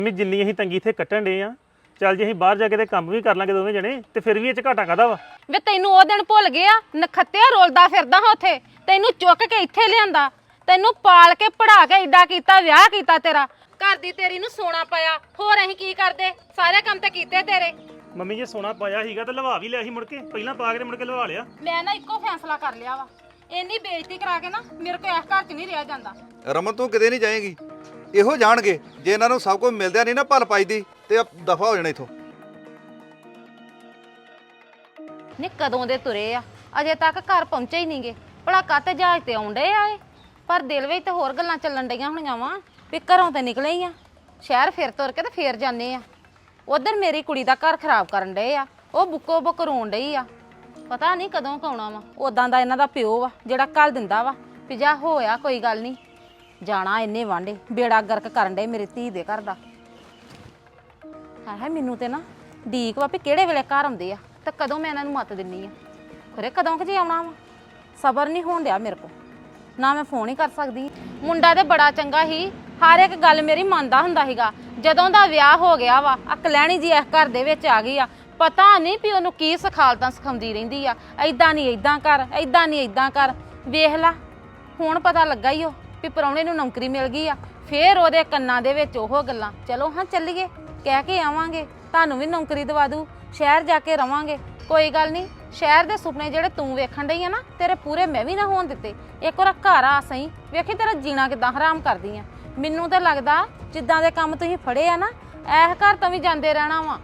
ਮੈਂ ਜਿੰਨੀ ਅਸੀਂ ਤੰਗੀ ਇੱਥੇ ਕੱਟਣ ਡੇ ਆ ਚੱਲ ਜੇ ਅਸੀਂ ਬਾਹਰ ਜਾ ਕੇ ਤੇ ਕੰਮ ਵੀ ਕਰ ਲਾਂਗੇ ਦੋਵੇਂ ਜਣੇ ਤੇ ਫਿਰ ਵੀ ਇਹ ਚ ਘਾਟਾ ਕਾਦਾ ਵਾ ਵੇ ਤੈਨੂੰ ਉਹ ਦਿਨ ਭੁੱਲ ਗਿਆ ਨਖੱਤਿਆ ਰੋਲਦਾ ਫਿਰਦਾ ਹਾਂ ਉੱਥੇ ਤੈਨੂੰ ਚੁੱਕ ਕੇ ਇੱਥੇ ਲਿਆਂਦਾ ਤੈਨੂੰ ਪਾਲ ਕੇ ਪੜਾ ਕੇ ਏਡਾ ਕੀਤਾ ਵਿਆਹ ਕੀਤਾ ਤੇਰਾ ਘਰ ਦੀ ਤੇਰੀ ਨੂੰ ਸੋਨਾ ਪਾਇਆ ਹੋਰ ਅਸੀਂ ਕੀ ਕਰਦੇ ਸਾਰੇ ਕੰਮ ਤੇ ਕੀਤੇ ਤੇਰੇ ਮੰਮੀ ਜੇ ਸੋਨਾ ਪਾਇਆ ਸੀਗਾ ਤੇ ਲਵਾ ਵੀ ਲਿਆ ਸੀ ਮੁੜ ਕੇ ਪਹਿਲਾਂ ਪਾ ਕੇ ਮੁੜ ਕੇ ਲਵਾ ਲਿਆ ਮੈਂ ਨਾ ਇੱਕੋ ਫੈਸਲਾ ਕਰ ਲਿਆ ਵਾ ਇੰਨੀ ਬੇਇੱਜ਼ਤੀ ਕਰਾ ਕੇ ਨਾ ਮੇਰੇ ਕੋਲ ਇਸ ਘਰ 'ਚ ਨਹੀਂ ਰਿਹਾ ਜਾਂਦਾ ਰਮਨ ਤੂੰ ਕਿਤੇ ਨਹੀਂ ਜਾਏਗੀ ਇਹੋ ਜਾਣਗੇ ਜੇ ਇਹਨਾਂ ਨੂੰ ਸਭ ਕੁਝ ਮਿਲਦਿਆ ਨਹੀਂ ਨਾ ਭਲ ਪਾਈ ਦੀ ਤੇ ਦਫਾ ਹੋ ਜਾਣਾ ਇਥੋਂ ਨੇ ਕਦੋਂ ਦੇ ਤੁਰੇ ਆ ਅਜੇ ਤੱਕ ਘਰ ਪਹੁੰਚੇ ਹੀ ਨਹੀਂਗੇ ਭਲਾ ਕਾਤੇ ਜਹਾਜ਼ ਤੇ ਆਉਂਦੇ ਆ ਇਹ ਪਰ ਦਿਲ ਵਿੱਚ ਤੇ ਹੋਰ ਗੱਲਾਂ ਚੱਲਣ ਡਈਆਂ ਹੋਣੀਆਂ ਵਾ ਵੀ ਘਰੋਂ ਤੇ ਨਿਕਲੇ ਹੀ ਆ ਸ਼ਹਿਰ ਫਿਰ ਤੁਰ ਕੇ ਤੇ ਫੇਰ ਜਾਂਦੇ ਆ ਉਧਰ ਮੇਰੀ ਕੁੜੀ ਦਾ ਘਰ ਖਰਾਬ ਕਰਨ ਡਏ ਆ ਉਹ ਬੁੱਕੋ ਬੁੱਕ ਰੋਣ ਡਈ ਆ ਪਤਾ ਨਹੀਂ ਕਦੋਂ ਕਾਉਣਾ ਵਾ ਉਦਾਂ ਦਾ ਇਹਨਾਂ ਦਾ ਪਿਓ ਵਾ ਜਿਹੜਾ ਕੱਲ ਦਿੰਦਾ ਵਾ ਵੀ ਜਾ ਹੋਇਆ ਕੋਈ ਗੱਲ ਨਹੀਂ ਜਾਣਾ ਇੰਨੇ ਵਾਂਡੇ ਬੇੜਾ ਗਰਕ ਕਰਨ ਡਏ ਮੇਰੀ ਧੀ ਦੇ ਘਰ ਦਾ ਹੈ ਮੈਨੂੰ ਤੇ ਨਾ ਡੀਕ ਵਾ ਵੀ ਕਿਹੜੇ ਵੇਲੇ ਘਰ ਆਉਂਦੇ ਆ ਤੇ ਕਦੋਂ ਮੈਂ ਇਹਨਾਂ ਨੂੰ ਮੱਤ ਦਿੰਨੀ ਆ ਖਰੇ ਕਦੋਂ ਕਿ ਜੇ ਆਉਣਾ ਵਾ ਸਬਰ ਨਹੀਂ ਹੋਣ ਡਿਆ ਮੇਰੇ ਕੋ ਨਾ ਮੈਂ ਫੋਨ ਹੀ ਕਰ ਸਕਦੀ ਮੁੰਡਾ ਤੇ ਬੜਾ ਚੰਗਾ ਸੀ ਹਰ ਇੱਕ ਗੱਲ ਮੇਰੀ ਮੰਨਦਾ ਹੁੰਦਾ ਸੀਗਾ ਜਦੋਂ ਦਾ ਵਿਆਹ ਹੋ ਗਿਆ ਵਾ ਆ ਕਲੈਣੀ ਜੀ ਇਸ ਘਰ ਦੇ ਵਿੱਚ ਆ ਗਈ ਆ ਪਤਾ ਨਹੀਂ ਵੀ ਉਹਨੂੰ ਕੀ ਸਿਖਾਲਤਾਂ ਸਿਖਾਉਂਦੀ ਰਹਿੰਦੀ ਆ ਐਦਾਂ ਨਹੀਂ ਐਦਾਂ ਕਰ ਐਦਾਂ ਨਹੀਂ ਐਦਾਂ ਕਰ ਵੇਖ ਲਾ ਹੁਣ ਪਤਾ ਲੱਗਾ ਹੀ ਉਹ ਵੀ ਪ੍ਰਾਹੁਣੇ ਨੂੰ ਨੌਕਰੀ ਮਿਲ ਗਈ ਆ ਫੇਰ ਉਹਦੇ ਕੰਨਾਂ ਦੇ ਵਿੱਚ ਉਹ ਗੱਲਾਂ ਚਲੋ ਹਾਂ ਚੱਲੀਏ ਕਹਿ ਕੇ ਆਵਾਂਗੇ ਤੁਹਾਨੂੰ ਵੀ ਨੌਕਰੀ ਦਵਾ ਦੂ ਸ਼ਹਿਰ ਜਾ ਕੇ ਰਵਾਂਗੇ ਕੋਈ ਗੱਲ ਨਹੀਂ ਸ਼ਹਿਰ ਦੇ ਸੁਪਨੇ ਜਿਹੜੇ ਤੂੰ ਵੇਖਣ ਡਈ ਆ ਨਾ ਤੇਰੇ ਪੂਰੇ ਮੈਂ ਵੀ ਨਾ ਹੋਣ ਦਿੱਤੇ ਇੱਕ ਵਾਰ ਘਰ ਆ ਸਹੀ ਵੇਖੀ ਤੇਰਾ ਜੀਣਾ ਕਿਦਾਂ ਹਰਾਮ ਕਰਦੀ ਆ ਮੈਨੂੰ ਤਾਂ ਲੱਗਦਾ ਜਿੱਦਾਂ ਦੇ ਕੰਮ ਤੁਸੀਂ ਫੜੇ ਆ ਨਾ ਐਸ ਘਰ ਤਾਂ ਵੀ ਜਾਂਦੇ ਰਹਿਣਾ ਵਾ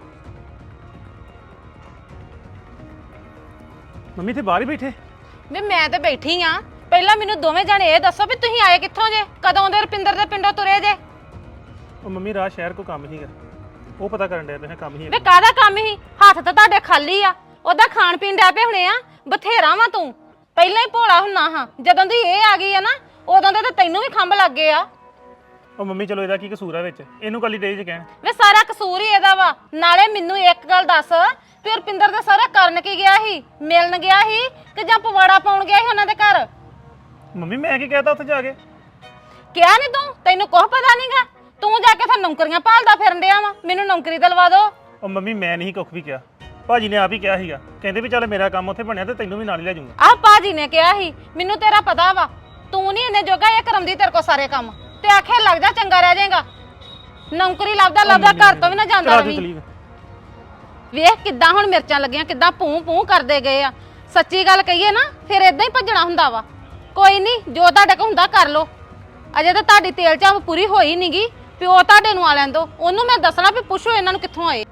ਮੰਮੀ ਤੇ ਬਾਹਰ ਹੀ ਬੈਠੇ ਮੈਂ ਤੇ ਬੈਠੀ ਆ ਪਹਿਲਾਂ ਮੈਨੂੰ ਦੋਵੇਂ ਜਣੇ ਇਹ ਦੱਸੋ ਵੀ ਤੁਸੀਂ ਆਏ ਕਿੱਥੋਂ ਜੇ ਕਦੋਂ ਦੇ ਰੁਪਿੰਦਰ ਦੇ ਪਿੰਡੋਂ ਤੁਰੇ ਜੇ ਉਹ ਮੰਮੀ ਰਾਤ ਸ਼ਹਿਰ ਕੋ ਕੰਮ ਸੀਗਾ ਉਹ ਪਤਾ ਕਰਨ ਡਿਆ ਤੇ ਕੰਮ ਹੀ ਵੇ ਕਾਹਦਾ ਕੰਮ ਹੀ ਹੱਥ ਤਾਂ ਤੁਹਾਡੇ ਖਾਲੀ ਆ ਉਹਦਾ ਖਾਣ ਪੀਣ ਡੈ ਪਏ ਹੋਣੇ ਆ ਬਥੇਰਾ ਵਾ ਤੂੰ ਪਹਿਲਾਂ ਹੀ ਭੋਲਾ ਹੁੰਨਾ ਹਾਂ ਜਦੋਂ ਦੀ ਇਹ ਆ ਗਈ ਆ ਨਾ ਉਦੋਂ ਦੇ ਤਾਂ ਤੈਨੂੰ ਵੀ ਖੰਭ ਲੱਗ ਗਏ ਆ ਉਹ ਮੰਮੀ ਚਲੋ ਇਹਦਾ ਕੀ ਕਸੂਰ ਆ ਵਿੱਚ ਇਹਨੂੰ ਕੱਲੀ ਡੇ ਚ ਕਹਿਣ ਵੇ ਸਾਰਾ ਕਸੂਰ ਹੀ ਇਹਦਾ ਵਾ ਨਾਲੇ ਮੈਨੂੰ ਇੱਕ ਗੱਲ ਦੱਸ ਵੀ ਰੁਪਿੰਦਰ ਦਾ ਸਾਰਾ ਕਰਨ ਕੀ ਗਿਆ ਸੀ ਮਿਲਣ ਗਿਆ ਸੀ ਕਿ ਜਾਂ ਪਵਾੜਾ ਪਾਉਣ ਗਿਆ ਸੀ ਉਹਨਾਂ ਦੇ ਘਰ ਮੰਮੀ ਮੈਂ ਕੀ ਕਹਿਤਾ ਉੱਥੇ ਜਾ ਕੇ ਕਿਹਾ ਨਹੀਂ ਤੂੰ ਤੈਨੂੰ ਕੁਝ ਪਤਾ ਨਹੀਂਗਾ ਤੂੰ ਜਾ ਕੇ ਤਾਂ ਨੌਕਰੀਆਂ ਭਾਲਦਾ ਫਿਰਨ ਡਿਆ ਵਾ ਮੈਨੂੰ ਨੌਕਰੀ ਦਿਲਵਾ ਦੋ ਉਹ ਮੰਮੀ ਮੈਂ ਨਹੀਂ ਕੁੱਖ ਵੀ ਕਿਹਾ ਭਾਜੀ ਨੇ ਆਪ ਹੀ ਕਿਹਾ ਸੀਗਾ ਕਹਿੰਦੇ ਵੀ ਚੱਲ ਮੇਰਾ ਕੰਮ ਉੱਥੇ ਬਣਿਆ ਤੇ ਤੈਨੂੰ ਵੀ ਨਾਲ ਹੀ ਲੈ ਜਾਊਂਗਾ ਆਹ ਭਾਜੀ ਨੇ ਕਿਹਾ ਸੀ ਮੈਨੂੰ ਤੇਰਾ ਪਤਾ ਵਾ ਤੂੰ ਨਹੀਂ ਇੰਨੇ ਜੋਗਾ ਇਹ ਕਰਮਦੀ ਤੇਰੇ ਕੋ ਸਾਰੇ ਕੰਮ ਤੇ ਆਖੇ ਲੱਗ ਜਾ ਚੰਗਾ ਰਹਿ ਜਾਏਗਾ ਨੌਕਰੀ ਲੱਭਦਾ ਲੱਭਦਾ ਘਰ ਤੋਂ ਵੀ ਨਾ ਜਾਂਦਾ ਰਵੀ ਵੇਖ ਕਿੱਦਾਂ ਹੁਣ ਮਿਰਚਾਂ ਲੱਗੀਆਂ ਕਿੱਦਾਂ ਪੂੰ ਪੂੰ ਕਰਦੇ ਗਏ ਆ ਸੱਚੀ ਗੱਲ ਕਹੀਏ ਨਾ ਫਿਰ ਇਦਾਂ ਹੀ ਭੱਜਣਾ ਹੁੰਦਾ ਵਾ ਕੋਈ ਨਹੀਂ ਜੋ ਤੁਹਾਡੇ ਕੋ ਹੁੰਦਾ ਕਰ ਲੋ ਅਜੇ ਤਾਂ ਤੁਹਾਡੀ ਤੇਲ ਚਾਹ ਪੂਰੀ ਹੋਈ ਨਹੀਂਗੀ ਪਿਓ ਤੁਹਾਡੇ ਨੂੰ ਆ ਲੈਣ ਦੋ ਉਹਨੂੰ ਮੈਂ ਦੱਸਣਾ ਵੀ ਪੁੱਛੋ ਇਹਨਾਂ ਨੂੰ ਕਿੱਥੋਂ ਆਏ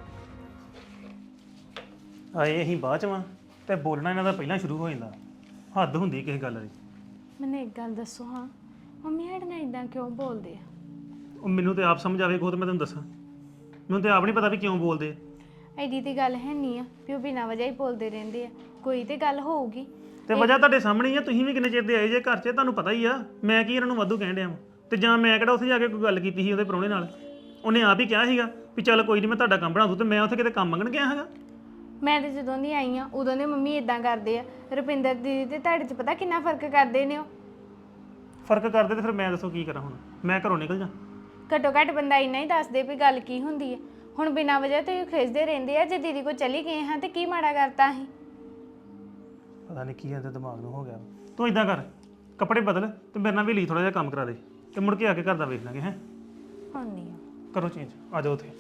ਆਏ ਅਸੀਂ ਬਾਅਦ ਚ ਵਾਂ ਤੇ ਬੋਲਣਾ ਇਹਨਾਂ ਦਾ ਪਹਿਲਾਂ ਸ਼ੁਰੂ ਹੋ ਜਾਂਦਾ ਹੱਦ ਹੁੰਦੀ ਕਿਸੇ ਗੱਲ ਦੀ ਮੈਨੂੰ ਇੱਕ ਗੱਲ ਦੱਸੋ ਹਾਂ ਮੰਮੀ ਸਾਡੇ ਨਾਲ ਇਦਾਂ ਕਿਉਂ ਬੋਲਦੇ ਆ ਉਹ ਮੈਨੂੰ ਤੇ ਆਪ ਸਮਝ ਆਵੇ ਖੁਦ ਮੈਂ ਤੁਹਾਨੂੰ ਦੱਸਾਂ ਮੈਨੂੰ ਤੇ ਆਪ ਨਹੀਂ ਪਤਾ ਵੀ ਕਿਉਂ ਬੋਲਦੇ ਆ ਐਡੀ ਦੀ ਗੱਲ ਹੈ ਨਹੀਂ ਆ ਵੀ ਉਹ ਬਿਨਾਂ ਵਜ੍ਹਾ ਹੀ ਬੋਲਦੇ ਰਹਿੰਦੇ ਆ ਕੋਈ ਤੇ ਗੱਲ ਹੋਊਗੀ ਤੇ ਵਜ੍ਹਾ ਤੁਹਾਡੇ ਸਾਹਮਣੇ ਹੀ ਆ ਤੁਸੀਂ ਵੀ ਕਿੰਨੇ ਚਿਰ ਦੇ ਆਏ ਜੇ ਘਰ 'ਚ ਤੁਹਾਨੂੰ ਪਤਾ ਹੀ ਆ ਮੈਂ ਕੀ ਇਹਨਾਂ ਨੂੰ ਵਾਧੂ ਕਹਿਣ ਡਿਆ ਵਾਂ ਤੇ ਜਾਂ ਮੈਂ ਕਿਹੜਾ ਉੱਥੇ ਜਾ ਕੇ ਕੋਈ ਗੱਲ ਕੀਤੀ ਸੀ ਉਹਦੇ ਪ੍ਰਾਹੁਣੇ ਨਾਲ ਉਹਨੇ ਆਪ ਹੀ ਕਿਹਾ ਸੀਗਾ ਵੀ ਚੱਲ ਕੋਈ ਨਹੀਂ ਮੈਂ ਤੁਹਾਡਾ ਕੰਮ ਬਣਾ ਦੂੰ ਤੇ ਮੈਂ ਉੱਥੇ ਕਿਤੇ ਕੰਮ ਮੰਗਣ ਗਿਆ ਹੈਗਾ ਮੈਂ ਤੇ ਜਦੋਂ ਦੀ ਆਈ ਆ ਉਦੋਂ ਦੇ ਮੰਮੀ ਇਦਾਂ ਕਰਦੇ ਆ ਰੁਪਿੰਦਰ ਦੀਦੀ ਤੇ ਤੁਹਾਡੇ 'ਚ ਪਤਾ ਕਿੰਨਾ ਫਰਕ ਕਰਦੇ ਨੇ ਉਹ ਫਰਕ ਕਰਦੇ ਤੇ ਫਿਰ ਮੈਂ ਦੱਸੋ ਕੀ ਕਰਾਂ ਹੁਣ ਮੈਂ ਘਰੋਂ ਨਿਕਲ ਜਾ ਘੱਟੋ ਘੱਟ ਬੰਦਾ ਇੰਨਾ ਹੀ ਦੱਸਦੇ ਵੀ ਗੱਲ ਕੀ ਹੁੰਦੀ ਹੈ ਹੁਣ ਬਿਨਾਂ ਵਜ੍ਹਾ ਤੋਂ ਹੀ ਖਿੱਚਦੇ ਰਹਿੰਦੇ ਆ ਜੇ ਦੀਦੀ ਕੋ ਚਲੀ ਗਏ ਹਾਂ ਤੇ ਕੀ ਮਾੜਾ ਕਰਤਾ ਅਸੀਂ ਪਤਾ ਨਹੀਂ ਕੀ ਇਹਦੇ ਦਿਮਾਗ ਨੂੰ ਹੋ ਗਿਆ ਤੂੰ ਇਦਾਂ ਕਰ ਕੱਪੜੇ ਬਦਲ ਤੇ ਮੇਰੇ ਨਾਲ ਵੀ ਲਈ ਥੋੜਾ ਜਿਹਾ ਕੰਮ ਕਰਾ ਦੇ ਤੇ ਮੁੜ ਕੇ ਆ ਕੇ ਘਰ ਦਾ ਵੇਖ ਲਾਂਗੇ ਹੈ ਹੁਣ ਨਹੀਂ ਆ ਕਰੋ ਚੇਂਜ ਆ ਜਾਓ ਉੱਥੇ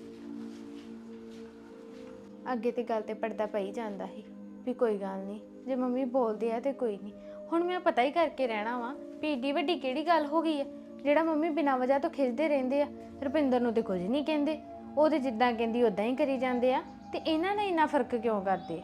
ਅੱਗੇ ਤੇ ਗੱਲ ਤੇ ਪੜਦਾ ਪਈ ਜਾਂਦਾ ਸੀ ਵੀ ਕੋਈ ਗੱਲ ਨਹੀਂ ਜੇ ਮੰਮੀ ਬੋਲਦੇ ਆ ਤੇ ਕੋਈ ਨਹੀਂ ਹੁਣ ਮੈਂ ਪਤਾ ਹੀ ਕਰਕੇ ਰਹਿਣਾ ਵਾ ਵੀ ਏਡੀ ਵੱਡੀ ਕਿਹੜੀ ਗੱਲ ਹੋ ਗਈ ਆ ਜਿਹੜਾ ਮੰਮੀ ਬਿਨਾਂ ਵਜ੍ਹਾ ਤੋਂ ਖਿੱਚਦੇ ਰਹਿੰਦੇ ਆ ਰੁਪਿੰਦਰ ਨੂੰ ਤੇ ਕੁਝ ਨਹੀਂ ਕਹਿੰਦੇ ਉਹਦੇ ਜਿੱਦਾਂ ਕਹਿੰਦੀ ਉਦਾਂ ਹੀ ਕਰੀ ਜਾਂਦੇ ਆ ਤੇ ਇਹਨਾਂ ਨਾਲ ਇੰਨਾ ਫਰਕ ਕਿਉਂ ਕਰਦੇ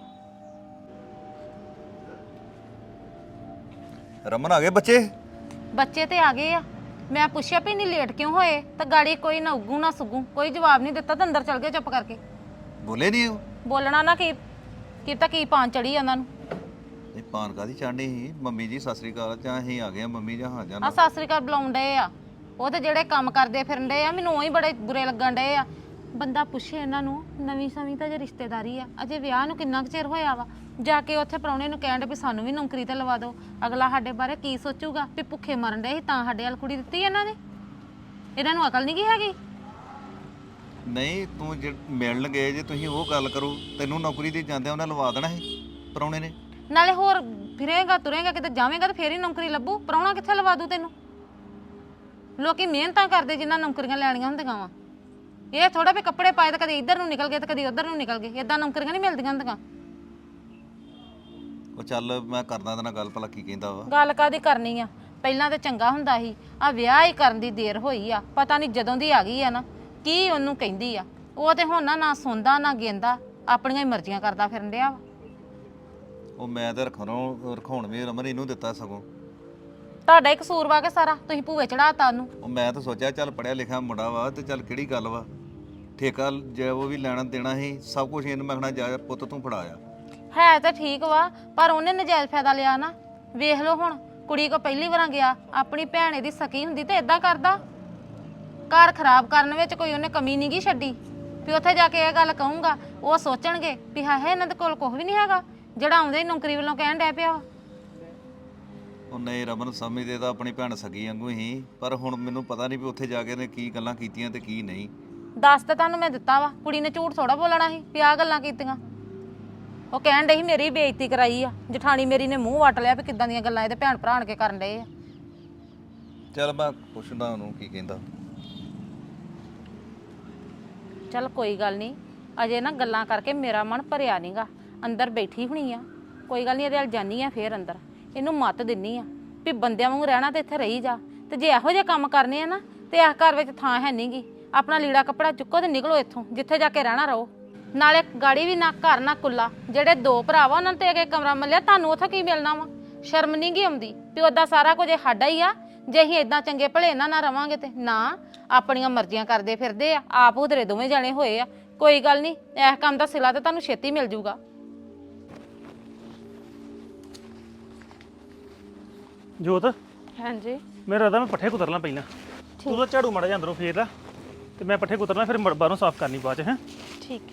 ਰਮਨ ਆ ਗਏ ਬੱਚੇ ਤੇ ਆ ਗਏ ਆ ਮੈਂ ਪੁੱਛਿਆ ਵੀ ਨਹੀਂ ਲੇਟ ਕਿਉਂ ਹੋਏ ਤਾਂ ਗਾੜੀ ਕੋਈ ਨਾ ਉੱਗੂ ਨਾ ਸੁਗੂ ਕੋਈ ਜਵਾਬ ਨਹੀਂ ਦਿੱਤਾ ਤਾਂ ਅੰਦਰ ਚਲ ਗਏ ਚੁੱਪ ਕਰਕੇ ਬੋਲੇ ਨਹੀਂ ਉਹ ਬੋਲਣਾ ਨਾ ਕੀ ਤਾਂ ਕੀ ਪਾਣ ਚੜੀ ਉਹਨਾਂ ਨੂੰ ਇਹ ਪਾਨ ਕਾਦੀ ਚਾੜਨੀ ਸੀ ਮੰਮੀ ਜੀ ਸਤਿ ਸ੍ਰੀ ਅਕਾਲ ਜਾਂ ਅਸੀਂ ਆ ਗਏ ਆ ਮੰਮੀ ਜਾਂ ਹਾਂ ਆ ਜਾਣਾ ਸਤਿ ਸ੍ਰੀ ਅਕਾਲ ਬੁਲਾਉਣ ਡਏ ਆ ਉਹ ਤੇ ਜਿਹੜੇ ਕੰਮ ਕਰਦੇ ਫਿਰਨ ਡਏ ਆ ਮੈਨੂੰ ਉਹੀ ਬੜੇ ਬੁਰੇ ਲੱਗਣ ਡਏ ਆ ਬੰਦਾ ਪੁੱਛੇ ਇਹਨਾਂ ਨੂੰ ਨਵੀਂ ਸਮੀ ਤਾਂ ਜੇ ਰਿਸ਼ਤੇਦਾਰੀ ਆ ਅਜੇ ਵਿਆਹ ਨੂੰ ਕਿੰਨਾ ਕੁ ਚਿਰ ਹੋਇਆ ਵਾ ਜਾ ਕੇ ਉੱਥੇ ਪ੍ਰਾਹੁਣੇ ਨੂੰ ਕਹਿਣ ਦੇ ਵੀ ਸਾਨੂੰ ਵੀ ਨੌਕਰੀ ਤੇ ਲਵਾ ਦਿਓ ਅਗਲਾ ਸਾਡੇ ਬਾਰੇ ਕੀ ਸੋਚੂਗਾ ਵੀ ਭੁੱਖੇ ਮਰਨ ਡਏ ਸੀ ਤਾਂ ਸਾਡੇ ਵਾਲ ਕੁੜੀ ਦਿੱਤੀ ਇਹਨਾਂ ਨੇ ਇਹਨਾਂ ਨੂੰ ਅਕਲ ਨਹੀਂ ਕੀ ਹੈਗੀ ਨਹੀਂ ਤੂੰ ਜੇ ਮਿਲਣ ਗਏ ਜੇ ਤੁਸੀਂ ਉਹ ਗੱਲ ਕਰੋ, ਤੈਨੂੰ ਨੌਕਰੀ ਤੇ ਜਾਂਦਿਆਂ ਉਹਨਾਂ ਲਵਾ ਦੇਣਾ ਸੀ ਪ੍ਰਾਹੁਣੇ ਨੇ। ਨਾਲੇ ਹੋਰ ਫਿਰੇਗਾ ਤੁਰੇਗਾ ਕਿਤੇ ਜਾਵੇਂਗਾ ਤੇ ਫੇਰ ਹੀ ਨੌਕਰੀ ਲੱਭੂ। ਪ੍ਰਾਹੁਣਾ ਕਿੱਥੇ ਲਵਾ ਦੂ ਤੈਨੂੰ? ਲੋਕੀ ਮਿਹਨਤਾਂ ਕਰਦੇ ਜਿਨ੍ਹਾਂ ਨੌਕਰੀਆਂ ਲੈਣੀਆਂ ਹੁੰਦੀਆਂ ਵਾ। ਇਹ ਥੋੜਾ ਵੀ ਕੱਪੜੇ ਪਾਏ ਤਾਂ ਕਦੇ ਇੱਧਰ ਨੂੰ ਨਿਕਲ ਗਏ ਤੇ ਕਦੇ ਉੱਧਰ ਨੂੰ ਨਿਕਲ ਗਏ। ਇਦਾਂ ਨੌਕਰੀਆਂ ਨਹੀਂ ਮਿਲਦੀਆਂ ਹੁੰਦੀਆਂ। ਉਹ ਚੱਲ ਮੈਂ ਕਰਦਾ ਤੇ ਨਾਲ ਗੱਲ, ਭਲਾ ਕੀ ਕਹਿੰਦਾ ਵਾ। ਗੱਲ ਕਾਦੀ ਕਰਨੀ ਆ? ਪਹਿਲਾਂ ਤਾਂ ਚੰਗਾ ਹੁੰਦਾ ਸੀ, ਆ ਵਿਆਹ ਹੀ ਕਰਨ ਦੀ ਦੇਰ ਹੋਈ ਆ। ਪਤਾ ਨਹੀਂ ਜਦੋਂ ਦੀ ਆ ਗਈ ਆ ਨਾ ਕੀ ਉਹਨੂੰ ਕਹਿੰਦੀ ਆ। ਉਹ ਤੇ ਹੁਣ ਨਾ ਸੁਣਦਾ ਨਾ ਗੇਂਦਾ, ਆਪਣੀਆਂ ਹੀ ਮਰਜ਼ੀਆਂ ਕਰਦਾ ਫਿਰਨ ਡਿਆ ਵਾ। ਉਹ ਮੈਂ ਤੇ ਰਖਾਉਣ ਵੀ ਰਮਨ ਇਹਨੂੰ ਦਿੱਤਾ ਸਗੋਂ। ਤੁਹਾਡਾ ਹੀ ਕਸੂਰ ਵਾ ਕੇ ਸਾਰਾ, ਤੁਸੀਂ ਭੂਏ ਚੜਾਤਾ ਉਹਨੂੰ। ਉਹ ਮੈਂ ਤਾਂ ਸੋਚਿਆ ਚੱਲ ਪੜਿਆ ਲਿਖਿਆ ਮੁੰਡਾ ਵਾ ਤੇ ਚੱਲ ਕਿਹੜੀ ਗੱਲ ਵਾ, ਠੇਕਾ ਜੇ ਉਹ ਵੀ ਲੈਣਾ ਦੇਣਾ ਸੀ ਸਭ ਕੁਝ ਇਹਨੂੰ ਮੈਂ ਕਹਿਣਾ ਜਾ ਪੁੱਤ ਤੂੰ ਫੜਾਇਆ। ਹੈ ਤਾਂ ਠੀਕ ਵਾ, ਪਰ ਉਹਨੇ ਨਜਾਇਜ਼ ਫਾਇਦਾ ਲਿਆ ਨਾ। ਵੇਖ ਲਓ ਹੁਣ, ਕੁੜੀ ਕੋ ਪਹਿਲੀ ਵਾਰਾਂ ਗਿਆ, ਆਪਣੀ ਭੈਣ ਇਹਦੀ ਸਕੀ ਹੁੰਦੀ ਤੇ ਇਦਾਂ ਕਰਦਾ। ਘਰ ਖਰਾਬ ਕਰਨ ਵਿੱਚ ਕੋਈ ਉਹਨੇ ਕਮੀ ਨਹੀਂ ਗੀ ਛੱਡੀ ਵੀ ਉੱਥੇ ਜਾ ਕੇ ਇਹ ਗੱਲ ਕਹੂੰਗਾ। ਉਹ ਸੋਚਣਗੇ ਵੀ ਹਾਂ ਇਹਨਾਂ ਦੇ ਕੋਲ ਕੁਝ ਵੀ ਨਹੀਂ ਹੈਗਾ ਜਿਹੜਾ ਆਉਂਦੇ ਹੀ ਨੌਕਰੀ ਵੱਲੋਂ ਕਹਿਣ ਡਿਆ ਪਿਆ ਵਾ। ਉਹ ਨਹੀਂ ਰਮਨ ਸਮਝਦੇ ਤਾਂ ਆਪਣੀ ਭੈਣ ਸਗੀ ਵਾਂਗੂ ਹੀ, ਪਰ ਹੁਣ ਮੈਨੂੰ ਪਤਾ ਨਹੀਂ ਵੀ ਉੱਥੇ ਜਾ ਕੇ ਨੇ ਕੀ ਗੱਲਾਂ ਕੀਤੀਆਂ ਤੇ ਕੀ ਨਹੀਂ। ਦੱਸ ਤਾਂ ਤੁਹਾਨੂੰ ਮੈਂ ਦਿੱਤਾ ਵਾ, ਕੁੜੀ ਨੇ ਝੂਠ ਥੋੜਾ ਬੋਲਣਾ ਸੀ ਵੀ ਆਹ ਗੱਲਾਂ ਕੀਤੀਆਂ। ਉਹ ਕਹਿਣ ਡਈ ਸੀ ਮੇਰੀ ਬੇਇੱਜ਼ਤੀ ਕਰਾਈ ਆ, ਜਠਾਣੀ ਮੇਰੀ ਨੇ ਮੂੰਹ ਵੱਟ ਲਿਆ ਵੀ ਕਿੱਦਾਂ ਦੀਆਂ ਗੱਲਾਂ ਇਹਦੇ ਭੈਣ ਭਰਾ ਕੇ ਕਰਨ ਡਏ ਆ। ਚੱਲ ਮੈਂ ਪੁੱਛਦਾ ਉਹਨੂੰ ਕੀ ਕਹਿੰਦਾ। ਚੱਲ ਕੋਈ ਗੱਲ ਨਹੀਂ, ਅਜੇ ਨਾ ਗੱਲਾਂ ਕਰਕੇ ਮੇਰਾ ਮਨ ਭਰਿਆ ਨਹੀਂਗਾ। ਅੰਦਰ ਬੈਠੀ ਹੋਣੀ ਆ, ਕੋਈ ਗੱਲ ਨਹੀਂ, ਇਹਦੇ ਵੱਲ ਜਾਨੀ ਆ ਫੇਰ ਅੰਦਰ। ਇਹਨੂੰ ਮੱਤ ਦਿੰਨੀ ਆ ਵੀ ਬੰਦਿਆਂ ਵਾਂਗੂ ਰਹਿਣਾ ਤੇ ਇੱਥੇ ਰਹੀ ਜਾ, ਤੇ ਜੇ ਇਹੋ ਜਿਹੇ ਕੰਮ ਕਰਨੇ ਆ ਨਾ ਤੇ ਇਸ ਘਰ ਵਿੱਚ ਥਾਂ ਹੈ ਨਹੀਂਗੀ। ਆਪਣਾ ਲੀੜਾ ਕੱਪੜਾ ਚੁੱਕੋ ਤੇ ਨਿਕਲੋ ਇੱਥੋਂ, ਜਿੱਥੇ ਜਾ ਕੇ ਰਹਿਣਾ ਰਹੋ। ਨਾਲੇ ਗਾੜੀ ਵੀ ਨਾ ਘਰ ਨਾ ਕੁੱਲਾ। ਜਿਹੜੇ ਦੋ ਭਰਾ ਵਾ ਉਹਨਾਂ ਤੇ ਅੱਗੇ ਕਮਰਾ ਮੱਲਿਆ, ਤੁਹਾਨੂੰ ਉੱਥੇ ਕੀ ਮਿਲਣਾ ਵਾ? ਸ਼ਰਮ ਨਹੀਂ ਗੀ ਆਉਂਦੀ ਵੀ ਉਹਦਾ ਸਾਰਾ ਕੁਝ ਸਾਡਾ ਹੀ ਆ। ਜੇ ਅਸੀਂ ਇਦਾਂ ਚੰਗੇ ਭਲੇ ਇਹਨਾਂ ਨਾਲ ਰਵਾਂਗੇ ਤੇ ਨਾ, ਆਪਣੀਆਂ ਮਰਜ਼ੀਆਂ ਕਰਦੇ ਫਿਰਦੇ ਆ। ਆਪ ਉਧਰੇ ਦੋਵੇਂ ਜਾਣੇ ਹੋਏ ਆ। ਕੋਈ ਗੱਲ ਨਹੀਂ, ਇਸ ਕੰਮ ਦਾ ਸਿਲਾ ਤੇ ਤੁਹਾਨੂੰ ਛੇਤੀ ਮਿਲ ਜੂਗਾ। ਜੋਤ, ਹਾਂਜੀ ਮੇਰਾ ਰਦਾ ਮੈਂ ਪੱਠੇ ਕੁਤਰਨਾ ਪਹਿਲਾਂ। ਤੂੰ ਤਾਂ ਝਾੜੂ ਮਾੜਾ ਜਿਹਾ ਅੰਦਰੋਂ ਫੇਰ ਲਾ ਤੇ ਮੈਂ ਪੱਠੇ ਕੁਤਰਨਾ, ਫਿਰ ਬਾਹਰੋਂ ਸਾਫ਼ ਕਰਨੀ ਬਾਅਦ ਚ। ਹੈ ਠੀਕ।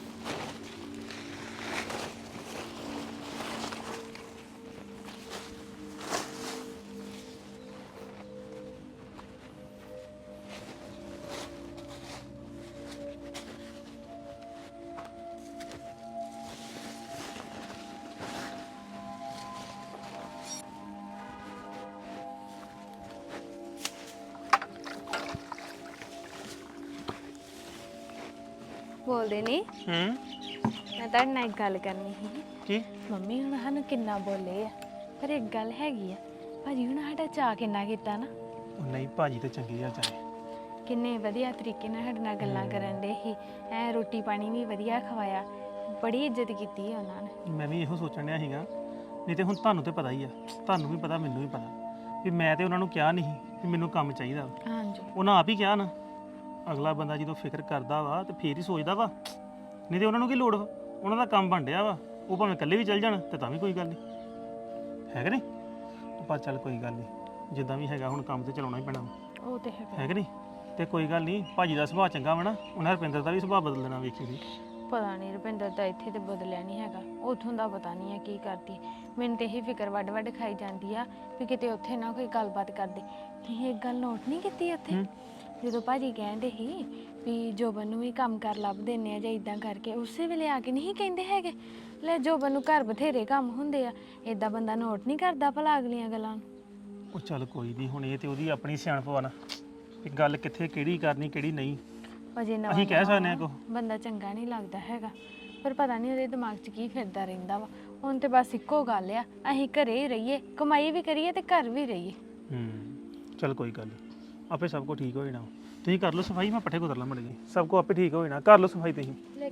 ਬੋਲਦੇ ਨਹੀਂ, ਮੈਂ ਤੁਹਾਡੇ ਨਾਲ ਇੱਕ ਗੱਲ ਕਰਨੀ ਸੀ। ਕੀ? ਮੰਮੀ ਹੁਣ ਸਾਨੂੰ ਕਿੰਨਾ ਬੋਲੇ ਆ, ਪਰ ਇੱਕ ਗੱਲ ਹੈਗੀ ਆ, ਭਾਜੀ ਹੁਣ ਸਾਡਾ ਚਾਅ ਕਿੰਨਾ ਕੀਤਾ ਨਾ। ਉਹ ਨਹੀਂ, ਭਾਜੀ ਤੇ ਚੰਗੇ ਆ ਚਾਹੇ। ਕਿੰਨੇ ਵਧੀਆ ਤਰੀਕੇ ਨਾਲ ਸਾਡੇ ਨਾਲ ਗੱਲਾਂ ਕਰਨ ਦੇ ਸੀ। ਐ ਰੋਟੀ ਪਾਣੀ ਵੀ ਵਧੀਆ ਖਵਾਇਆ, ਬੜੀ ਇੱਜ਼ਤ ਕੀਤੀ ਹੈ ਉਹਨਾਂ ਨੇ। ਮੈਂ ਵੀ ਇਹੋ ਸੋਚਣ ਡਿਆ ਸੀਗਾ, ਨਹੀਂ ਤੇ ਹੁਣ ਤੁਹਾਨੂੰ ਤੇ ਪਤਾ ਹੀ ਆ, ਤੁਹਾਨੂੰ ਵੀ ਪਤਾ ਮੈਨੂੰ ਵੀ ਪਤਾ ਵੀ ਮੈਂ ਤੇ ਉਹਨਾਂ ਨੂੰ ਕਿਹਾ ਨਹੀਂ ਕਿ ਮੈਨੂੰ ਕੰਮ ਚਾਹੀਦਾ ਵਾ। ਹਾਂਜੀ ਉਹਨਾਂ ਆਪ ਹੀ ਕਿਹਾ ਨਾ। ਅਗਲਾ ਬੰਦਾ ਜਦੋਂ ਫਿਕਰ ਕਰਦਾ ਵਾ ਤੇ ਫੇਰ ਹੀ ਸੋਚਦਾ ਵਾ, ਨਹੀਂ ਤੇ ਉਹਨਾਂ ਨੂੰ ਕੀ ਲੋੜ ਵਾ? ਉਹਨਾਂ ਦਾ ਕੰਮ ਬਣ ਡਿਆ ਵਾ, ਉਹ ਭਾਵੇਂ ਇਕੱਲੇ ਵੀ ਚੱਲ ਜਾਣ ਤੇ ਤਾਂ ਵੀ ਕੋਈ ਗੱਲ ਨਹੀਂ, ਹੈ ਕਿ ਨਹੀਂ? ਪਰ ਚੱਲ ਕੋਈ ਗੱਲ ਨਹੀਂ, ਜਿੱਦਾਂ ਵੀ ਹੈਗਾ ਹੁਣ ਕੰਮ ਤੇ ਚਲਾਉਣਾ ਹੀ ਪੈਣਾ ਵਾ। ਉਹ ਤੇ ਹੈ ਕਿ ਨਹੀਂ? ਤੇ ਕੋਈ ਗੱਲ ਨਹੀਂ, ਭਾਜੀ ਦਾ ਸੁਭਾਅ ਚੰਗਾ ਵਾ ਨਾ, ਉਹਨਾਂ ਰੁਪਿੰਦਰ ਦਾ ਵੀ ਸੁਭਾਅ ਬਦਲ ਦੇਣਾ, ਵੇਖੀ ਸੀ। ਪਤਾ ਨਹੀਂ ਰੁਪਿੰਦਰ ਦਾ ਇੱਥੇ ਤੇ ਬਦਲਿਆ ਨਹੀਂ ਹੈਗਾ, ਉੱਥੋਂ ਦਾ ਪਤਾ ਨਹੀਂ ਹੈ ਕੀ ਕਰਦੀ। ਮੈਨੂੰ ਤੇ ਇਹੀ ਫਿਕਰ ਵੱਡ ਵੱਡ ਖਾਈ ਜਾਂਦੀ ਆ ਵੀ ਕਿਤੇ ਉੱਥੇ ਨਾ ਕੋਈ ਗੱਲਬਾਤ ਕਰਦੇ। ਤੁਸੀਂ ਇੱਕ ਗੱਲ ਨੋਟ ਨਹੀਂ ਕੀਤੀ ਉੱਥੇ, ਜਦੋਂ ਭਾਜੀ ਕਹਿੰਦੇ ਸੀ ਵੀ ਜੋਬਨ ਨੂੰ ਵੀ ਕੰਮ ਕਰ ਲੱਭ ਦਿੰਦੇ ਆ ਜਾਂ ਇਦਾਂ ਕਰਕੇ, ਉਸੇ ਵੇਲੇ ਆ ਕੇ ਨਹੀਂ ਕਹਿੰਦੇ ਹੈਗੇ ਲੈ ਜੋਬਨ ਨੂੰ ਘਰ ਬਥੇਰੇ ਕੰਮ ਹੁੰਦੇ ਆ। ਇਦਾਂ ਬੰਦਾ ਨੋਟ ਨਹੀਂ ਕਰਦਾ ਭਲਾ ਅਗਲੀਆਂ ਗੱਲਾਂ ਨੂੰ। ਉਹ ਚੱਲ ਕੋਈ ਨਹੀਂ, ਹੁਣ ਇਹ ਤੇ ਉਹਦੀ ਆਪਣੀ ਸਿਆਣਪ ਵਾ ਨਾ, ਵੀ ਗੱਲ ਕਿੱਥੇ ਕਿਹੜੀ ਕਰਨੀ ਕਿਹੜੀ ਨਹੀਂ। ਅਜੇ ਨਵਾਂ ਅਸੀਂ ਕਹਿ ਸਕਦੇ ਹਾਂ ਕੁਛ। ਬੰਦਾ ਚੰਗਾ ਨਹੀਂ ਲੱਗਦਾ ਹੈਗਾ, ਪਰ ਪਤਾ ਨਹੀਂ ਉਹਦੇ ਦਿਮਾਗ 'ਚ ਕੀ ਫਿਰਦਾ ਰਹਿੰਦਾ ਵਾ। ਹੁਣ ਤੇ ਬਸ ਇੱਕੋ ਗੱਲ ਆ, ਅਸੀਂ ਘਰੇ ਹੀ ਰਹੀਏ, ਕਮਾਈ ਵੀ ਕਰੀਏ ਤੇ ਘਰ ਵੀ ਰਹੀਏ। ਚੱਲ ਕੋਈ ਗੱਲ ਨੀ, ਆਪੇ ਸਭ ਕੁਝ ਠੀਕ ਹੋ ਜਾਣਾ। ਤੁਸੀਂ ਕਰ ਲਓ ਸਫਾਈ, ਮੈਂ ਪੱਠੇ ਕੁਤਰ ਲਾਂ ਮੜ ਗਈ, ਸਭ ਕੁਝ ਆਪੇ ਠੀਕ ਹੋ ਜਾਣਾ। ਕਰ ਲਓ ਸਫਾਈ ਤੁਸੀਂ।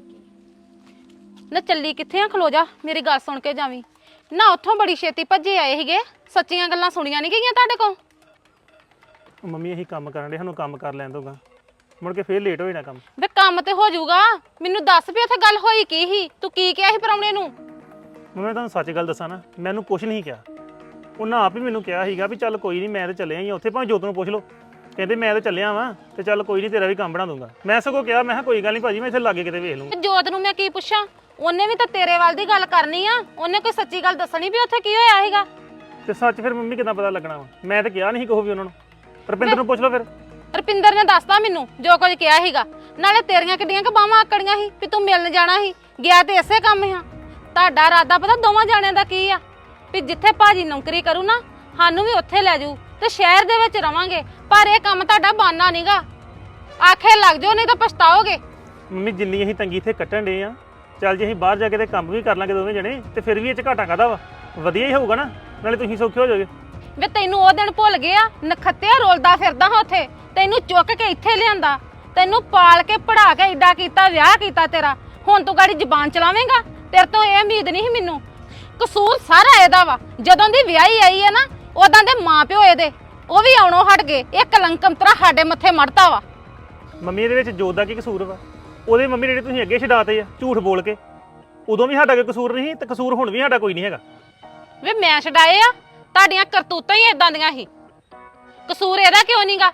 ਨਾ ਚੱਲੀ ਕਿੱਥੇ ਆ? ਖਲੋ ਜਾ, ਮੇਰੀ ਗੱਲ ਸੁਣ ਕੇ ਜਾਵੀਂ ਨਾ। ਉੱਥੋਂ ਬੜੀ ਛੇਤੀ ਭੱਜੇ ਆਏ ਸੀਗੇ, ਸੱਚੀਆਂ ਗੱਲਾਂ ਸੁਣੀਆਂ ਨਹੀਂ ਗਈਆਂ ਤੁਹਾਡੇ ਕੋਲ। ਮੰਮੀ ਅਸੀਂ ਕੰਮ ਕਰਨ ਦੇ, ਸਾਨੂੰ ਕੰਮ ਕਰ ਲੈਣ ਦੋਗਾ, ਮੁੜ ਕੇ ਫੇਰ ਲੇਟ ਹੋ ਜਾਣਾ ਕੰਮ। ਵੇ ਕੰਮ ਤੇ ਹੋ ਜਾਊਗਾ, ਮੈਨੂੰ ਦੱਸ ਵੀ ਉੱਥੇ ਗੱਲ ਹੋਈ ਕੀ ਸੀ? ਤੂੰ ਕੀ ਕਿਹਾ ਸੀ ਪ੍ਰਾਹੁਣੇ ਨੂੰ? ਮੈਂ ਤੁਹਾਨੂੰ ਸੱਚ ਗੱਲ ਦੱਸਾਂ ਨਾ, ਮੈਨੂੰ ਕੁਝ ਨਹੀਂ ਕਿਹਾ। ਉਹਨਾਂ ਆਪ ਹੀ ਮੈਨੂੰ ਕਿਹਾ ਸੀਗਾ ਵੀ ਚੱਲ ਕੋਈ ਨਹੀਂ, ਮੈਂ ਤਾਂ ਚੱਲਿਆ ਹੀ ਉੱਥੇ, ਭਾਵੇਂ ਜੋਤ ਨੂੰ ਪੁੱਛ ਲਓ। ਕਹਿੰਦੇ ਮੈਂ ਤਾਂ ਚੱਲਿਆ ਵਾਂ ਤੇ ਚੱਲ ਕੋਈ ਨਹੀਂ, ਤੇਰਾ ਵੀ ਕੰਮ ਬਣਾ ਦੂੰਗਾ। ਮੈਂ ਸਗੋਂ ਕਿਹਾ, ਮੈਂ ਕਿਹਾ ਕੋਈ ਗੱਲ ਨਹੀਂ ਭਾਜੀ, ਮੈਂ ਇੱਥੇ ਲਾਗੇ ਕਿਤੇ ਵੇਖ ਲੂੰਗਾ। ਜੋਤ ਨੂੰ ਮੈਂ ਕੀ ਪੁੱਛਾਂ? ਉਹਨੇ ਵੀ ਤਾਂ ਤੇਰੇ ਵੱਲ ਦੀ ਗੱਲ ਕਰਨੀ ਆ, ਉਹਨੇ ਕੋਈ ਸੱਚੀ ਗੱਲ ਦੱਸਣੀ ਵੀ ਉੱਥੇ ਕੀ ਹੋਇਆ ਸੀਗਾ। ਤੇ ਸੱਚ ਫਿਰ ਮੰਮੀ ਕਿੱਦਾਂ ਪਤਾ ਲੱਗਣਾ ਵਾ? ਮੈਂ ਤਾਂ ਕਿਹਾ ਨਹੀਂ ਸੀ ਕੋਈ ਵੀ ਉਹਨਾਂ ਨੂੰ। ਰੁਪਿੰਦਰ ਨੂੰ ਪੁੱਛ ਲਓ ਫਿਰ। ਰਪਿੰਦਰ ਨੇ ਦੱਸਤਾ ਮੈਨੂੰ ਜੋ ਕੁਝ ਕਿਹਾ ਸੀਗਾ। ਨਾਲੇ ਤੇਰੀਆਂ ਕਿੱਡੀਆਂ ਕਿ ਬਾਹਾਂ ਆਕੜੀਆਂ ਸੀ ਵੀ ਤੂੰ ਮਿਲਣ ਜਾਣਾ ਸੀ, ਗਿਆ ਤੇ ਇਸੇ ਕੰਮ ਹਾਂ। ਤੁਹਾਡਾ ਇਰਾਦਾ ਪਤਾ ਦੋਵਾਂ ਜਾਣਿਆਂ ਦਾ ਕੀ ਆ ਵੀ ਜਿੱਥੇ ਭਾਜੀ ਨੌਕਰੀ ਕਰੂ ਨਾ ਸਾਨੂੰ ਵੀ ਉੱਥੇ ਲੈ ਜਾਊ ਤੇ ਸ਼ਹਿਰ ਦੇ ਵਿੱਚ ਰਵਾਂਗੇ। ਪਰ ਇਹ ਕੰਮ ਤੁਹਾਡਾ ਬਾਨਾ ਨਹੀਂਗਾ, ਆਖੇ ਲੱਗ ਜਾਓ ਨਹੀਂ ਤਾਂ ਪਛਤਾਓਗੇ। ਮੰਮੀ ਜਿੰਨੀ ਅਸੀਂ ਤੰਗੀ ਇੱਥੇ ਕੱਟਣ ਡੇ ਆ, ਚੱਲ ਜੇ ਅਸੀਂ ਬਾਹਰ ਜਾ ਕੇ ਤੇ ਕੰਮ ਵੀ ਕਰ ਲਾਂਗੇ ਦੋਵੇਂ ਜਣੇ ਤੇ ਫਿਰ ਵੀ ਇਹ ਚ ਘਾਟਾ ਕਾਹਦਾ ਵਾ, ਵਧੀਆ ਹੀ ਹੋਊਗਾ ਨਾ, ਨਾਲੇ ਤੁਸੀਂ ਸੌਖੇ ਹੋ ਜਾਓਗੇ। ਵੇ ਤੈਨੂੰ ਉਹ ਦਿਨ ਭੁੱਲ ਗਿਆ, ਨਖੱਤਿਆ ਰੋਲਦਾ ਫਿਰਦਾ ਹਾਂ ਉੱਥੇ, ਤੈਨੂੰ ਚੁੱਕ ਕੇ ਇੱਥੇ ਲਿਆਂਦਾ, ਤੈਨੂੰ ਪਾਲ ਕੇ ਪੜਾ ਕੇ ਏਡਾ ਕੀਤਾ, ਵਿਆਹ ਕੀਤਾ ਤੇਰਾ। ਹੁਣ ਤੂੰ ਗਾੜੀ ਜ਼ਬਾਨ ਚਲਾਵੇਂਗਾ? ਤੇਰੇ ਤੋਂ ਇਹ ਉਮੀਦ ਨਹੀਂ ਸੀ ਮੈਨੂੰ। ਕਸੂਰ ਸਾਰਾ ਇਹਦਾ ਵਾ, ਜਦੋਂ ਦੀ ਵਿਆਹੀ ਆਈ ਹੈ ਨਾ ਉਦਾਂ ਦੇ ਮਾਪਿਓ ਇਹਦੇ ਉਹ ਵੀ ਆਉਣੋਂ ਹਟ ਗਏ। ਇਹ ਕਲੰਕਮ ਤਰਾ ਸਾਡੇ ਮੱਥੇ ਮੜਤਾ ਵਾ। ਮੰਮੀ ਇਹਦੇ ਵਿੱਚ ਜੋਤ ਦਾ ਕੀ ਕਸੂਰ ਵਾ? ਉਹਦੇ ਮੰਮੀ ਜਿਹੜੇ ਤੁਸੀਂ ਅੱਗੇ ਛਡਾਤੇ ਆ ਝੂਠ ਬੋਲ ਕੇ, ਉਦੋਂ ਵੀ ਸਾਡਾ ਕੋਈ ਕਸੂਰ ਨਹੀਂ ਤੇ ਕਸੂਰ ਹੁਣ ਵੀ ਸਾਡਾ ਕੋਈ ਨਹੀਂ ਹੈਗਾ। ਵੇ ਮੈਂ ਛਡਾਏ ਆ? ਤੁਹਾਡੀਆਂ ਕਰਤੂਤਾਂ ਹੀ ਇਦਾਂ ਦੀਆਂ ਸੀ। ਕਸੂਰ ਇਹਦਾ ਕਿਉਂ ਨਹੀਂਗਾ?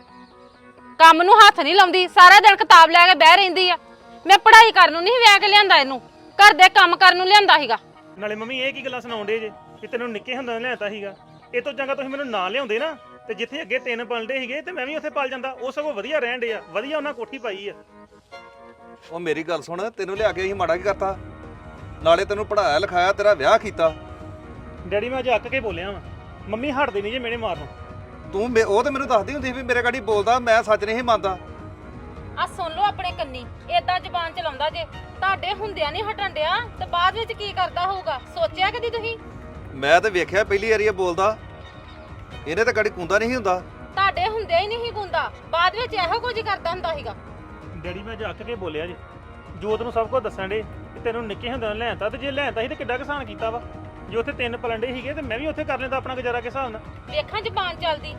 ਕੰਮ ਨੂੰ ਹੱਥ ਨਹੀਂ ਲਾਉਂਦੀ, ਸਾਰਾ ਦਿਨ ਕਿਤਾਬ ਲੈ ਕੇ ਬਹਿ ਰਹਿੰਦੀ ਆ। ਮੈਂ ਪੜ੍ਹਾਈ ਕਰਨ ਨੂੰ ਨਹੀਂ ਵਿਆਹ ਕੇ ਲਿਆਂਦਾ ਇਹਨੂੰ, ਘਰ ਦੇ ਕੰਮ ਕਰਨ ਨੂੰ ਲਿਆਂਦਾ ਸੀਗਾ। ਨਾਲੇ ਮੰਮੀ ਇਹ ਕੀ ਗੱਲਾਂ ਸੁਣਾਉਂਦੇ ਜੇ ਕਿ ਤੈਨੂੰ ਨਿੱਕੇ ਹੁੰਦਿਆਂ ਲਿਆਤਾ ਸੀਗਾ? ਇਹ ਤੋਂ ਚੰਗਾ ਤੁਸੀਂ ਮੈਨੂੰ ਨਾ ਲਿਆਉਂਦੇ ਨਾ, ਤੇ ਜਿੱਥੇ ਅੱਗੇ 3 ਪਲਦੇ ਸੀਗੇ ਤੇ ਮੈਂ ਵੀ ਉੱਥੇ ਪਲ ਜਾਂਦਾ। ਉਹ ਸਗੋਂ ਵਧੀਆ ਰਹਿਣ ਡੇ ਆ, ਵਧੀਆ ਉਹਨਾਂ ਕੋਠੀ ਪਾਈ ਆ। ਉਹ ਮੇਰੀ ਗੱਲ ਸੁਣ, ਤੈਨੂੰ ਲਿਆ ਕੇ ਅਸੀਂ ਮਾੜਾ ਕੀ ਕਰਤਾ? ਨਾਲੇ ਤੈਨੂੰ ਪੜਾਇਆ ਲਿਖਾਇਆ, ਤੇਰਾ ਵਿਆਹ ਕੀਤਾ। ਡੈਡੀ ਮੈਂ ਅੱਜ ਅੱਕ ਕੇ ਬੋਲਿਆ ਵਾਂ, ਮੰਮੀ ਹਟਦੇ ਨਹੀਂ ਜੇ ਮੇਰੇ ਮਾਰਨੋਂ। ਤੂੰ ਉਹ ਤੇ ਮੈਨੂੰ ਦੱਸਦੀ ਹੁੰਦੀ ਸੀ ਵੀ ਮੇਰੇ ਗਾੜੀ ਬੋਲਦਾ, ਮੈਂ ਸੱਚ ਨਹੀਂ ਸੀ ਮੰਨਦਾ। ਆ ਸੁਣ ਲਓ ਆਪਣੇ ਕੰਨੀ, ਏਦਾਂ ਜ਼ਬਾਨ ਚਲਾਉਂਦਾ ਜੇ, ਤੁਹਾਡੇ ਹੁੰਦਿਆਂ ਨਹੀਂ ਹਟਣ ਡਿਆ ਤੇ ਬਾਅਦ ਵਿੱਚ ਕੀ ਕਰਦਾ ਹੋਊਗਾ, ਸੋਚਿਆ ਕਦੀ ਤੁਸੀਂ? ਮੈਂ ਤੇ ਵੇਖਿਆ ਪਹਿਲੀ ਵਾਰੀ ਇਹ ਬੋਲਦਾ, ਇਹਨੇ ਤਾਂ ਗਾੜੀ ਕੁੰਦਾ ਨਹੀਂ ਸੀ ਹੁੰਦਾ। ਤੁਹਾਡੇ ਹੁੰਦਿਆਂ ਹੀ ਨਹੀਂ ਗੁੰਦਾ, ਬਾਅਦ ਵਿੱਚ ਇਹੋ ਕੁਝ ਕਰਦਾ ਹੁੰਦਾ ਸੀਗਾ। ਡੈਡੀ ਮੈਂ ਅੱਜ ਅੱਕ ਕੇ ਬੋਲਿਆ ਜੇ, ਜੋਤ ਨੂੰ ਸਭ ਕੁਝ ਦੱਸਣ ਡੇ ਕਿ ਤੈਨੂੰ ਨਿੱਕੇ ਹੁੰਦਿਆਂ ਲਿਆਤਾ, ਤੇ ਜੇ ਲਿਆਤਾ ਸੀ ਤੇ ਕਿੱਡਾ ਕਿਸਾਨ ਕੀਤਾ ਵਾ। ਜੇ ਉੱਥੇ 3 ਪਲੰਡੇ ਸੀਗੇ ਤੇ ਮੈਂ ਵੀ ਉੱਥੇ ਕਰ ਲੈਂਦਾ ਆਪਣਾ ਗੁਜ਼ਾਰਾ ਕਿਸ ਹਿਸਾਬ ਨਾਲ। ਵੇਖਾਂ ਜ਼ਬਾਨ ਚੱਲਦੀ,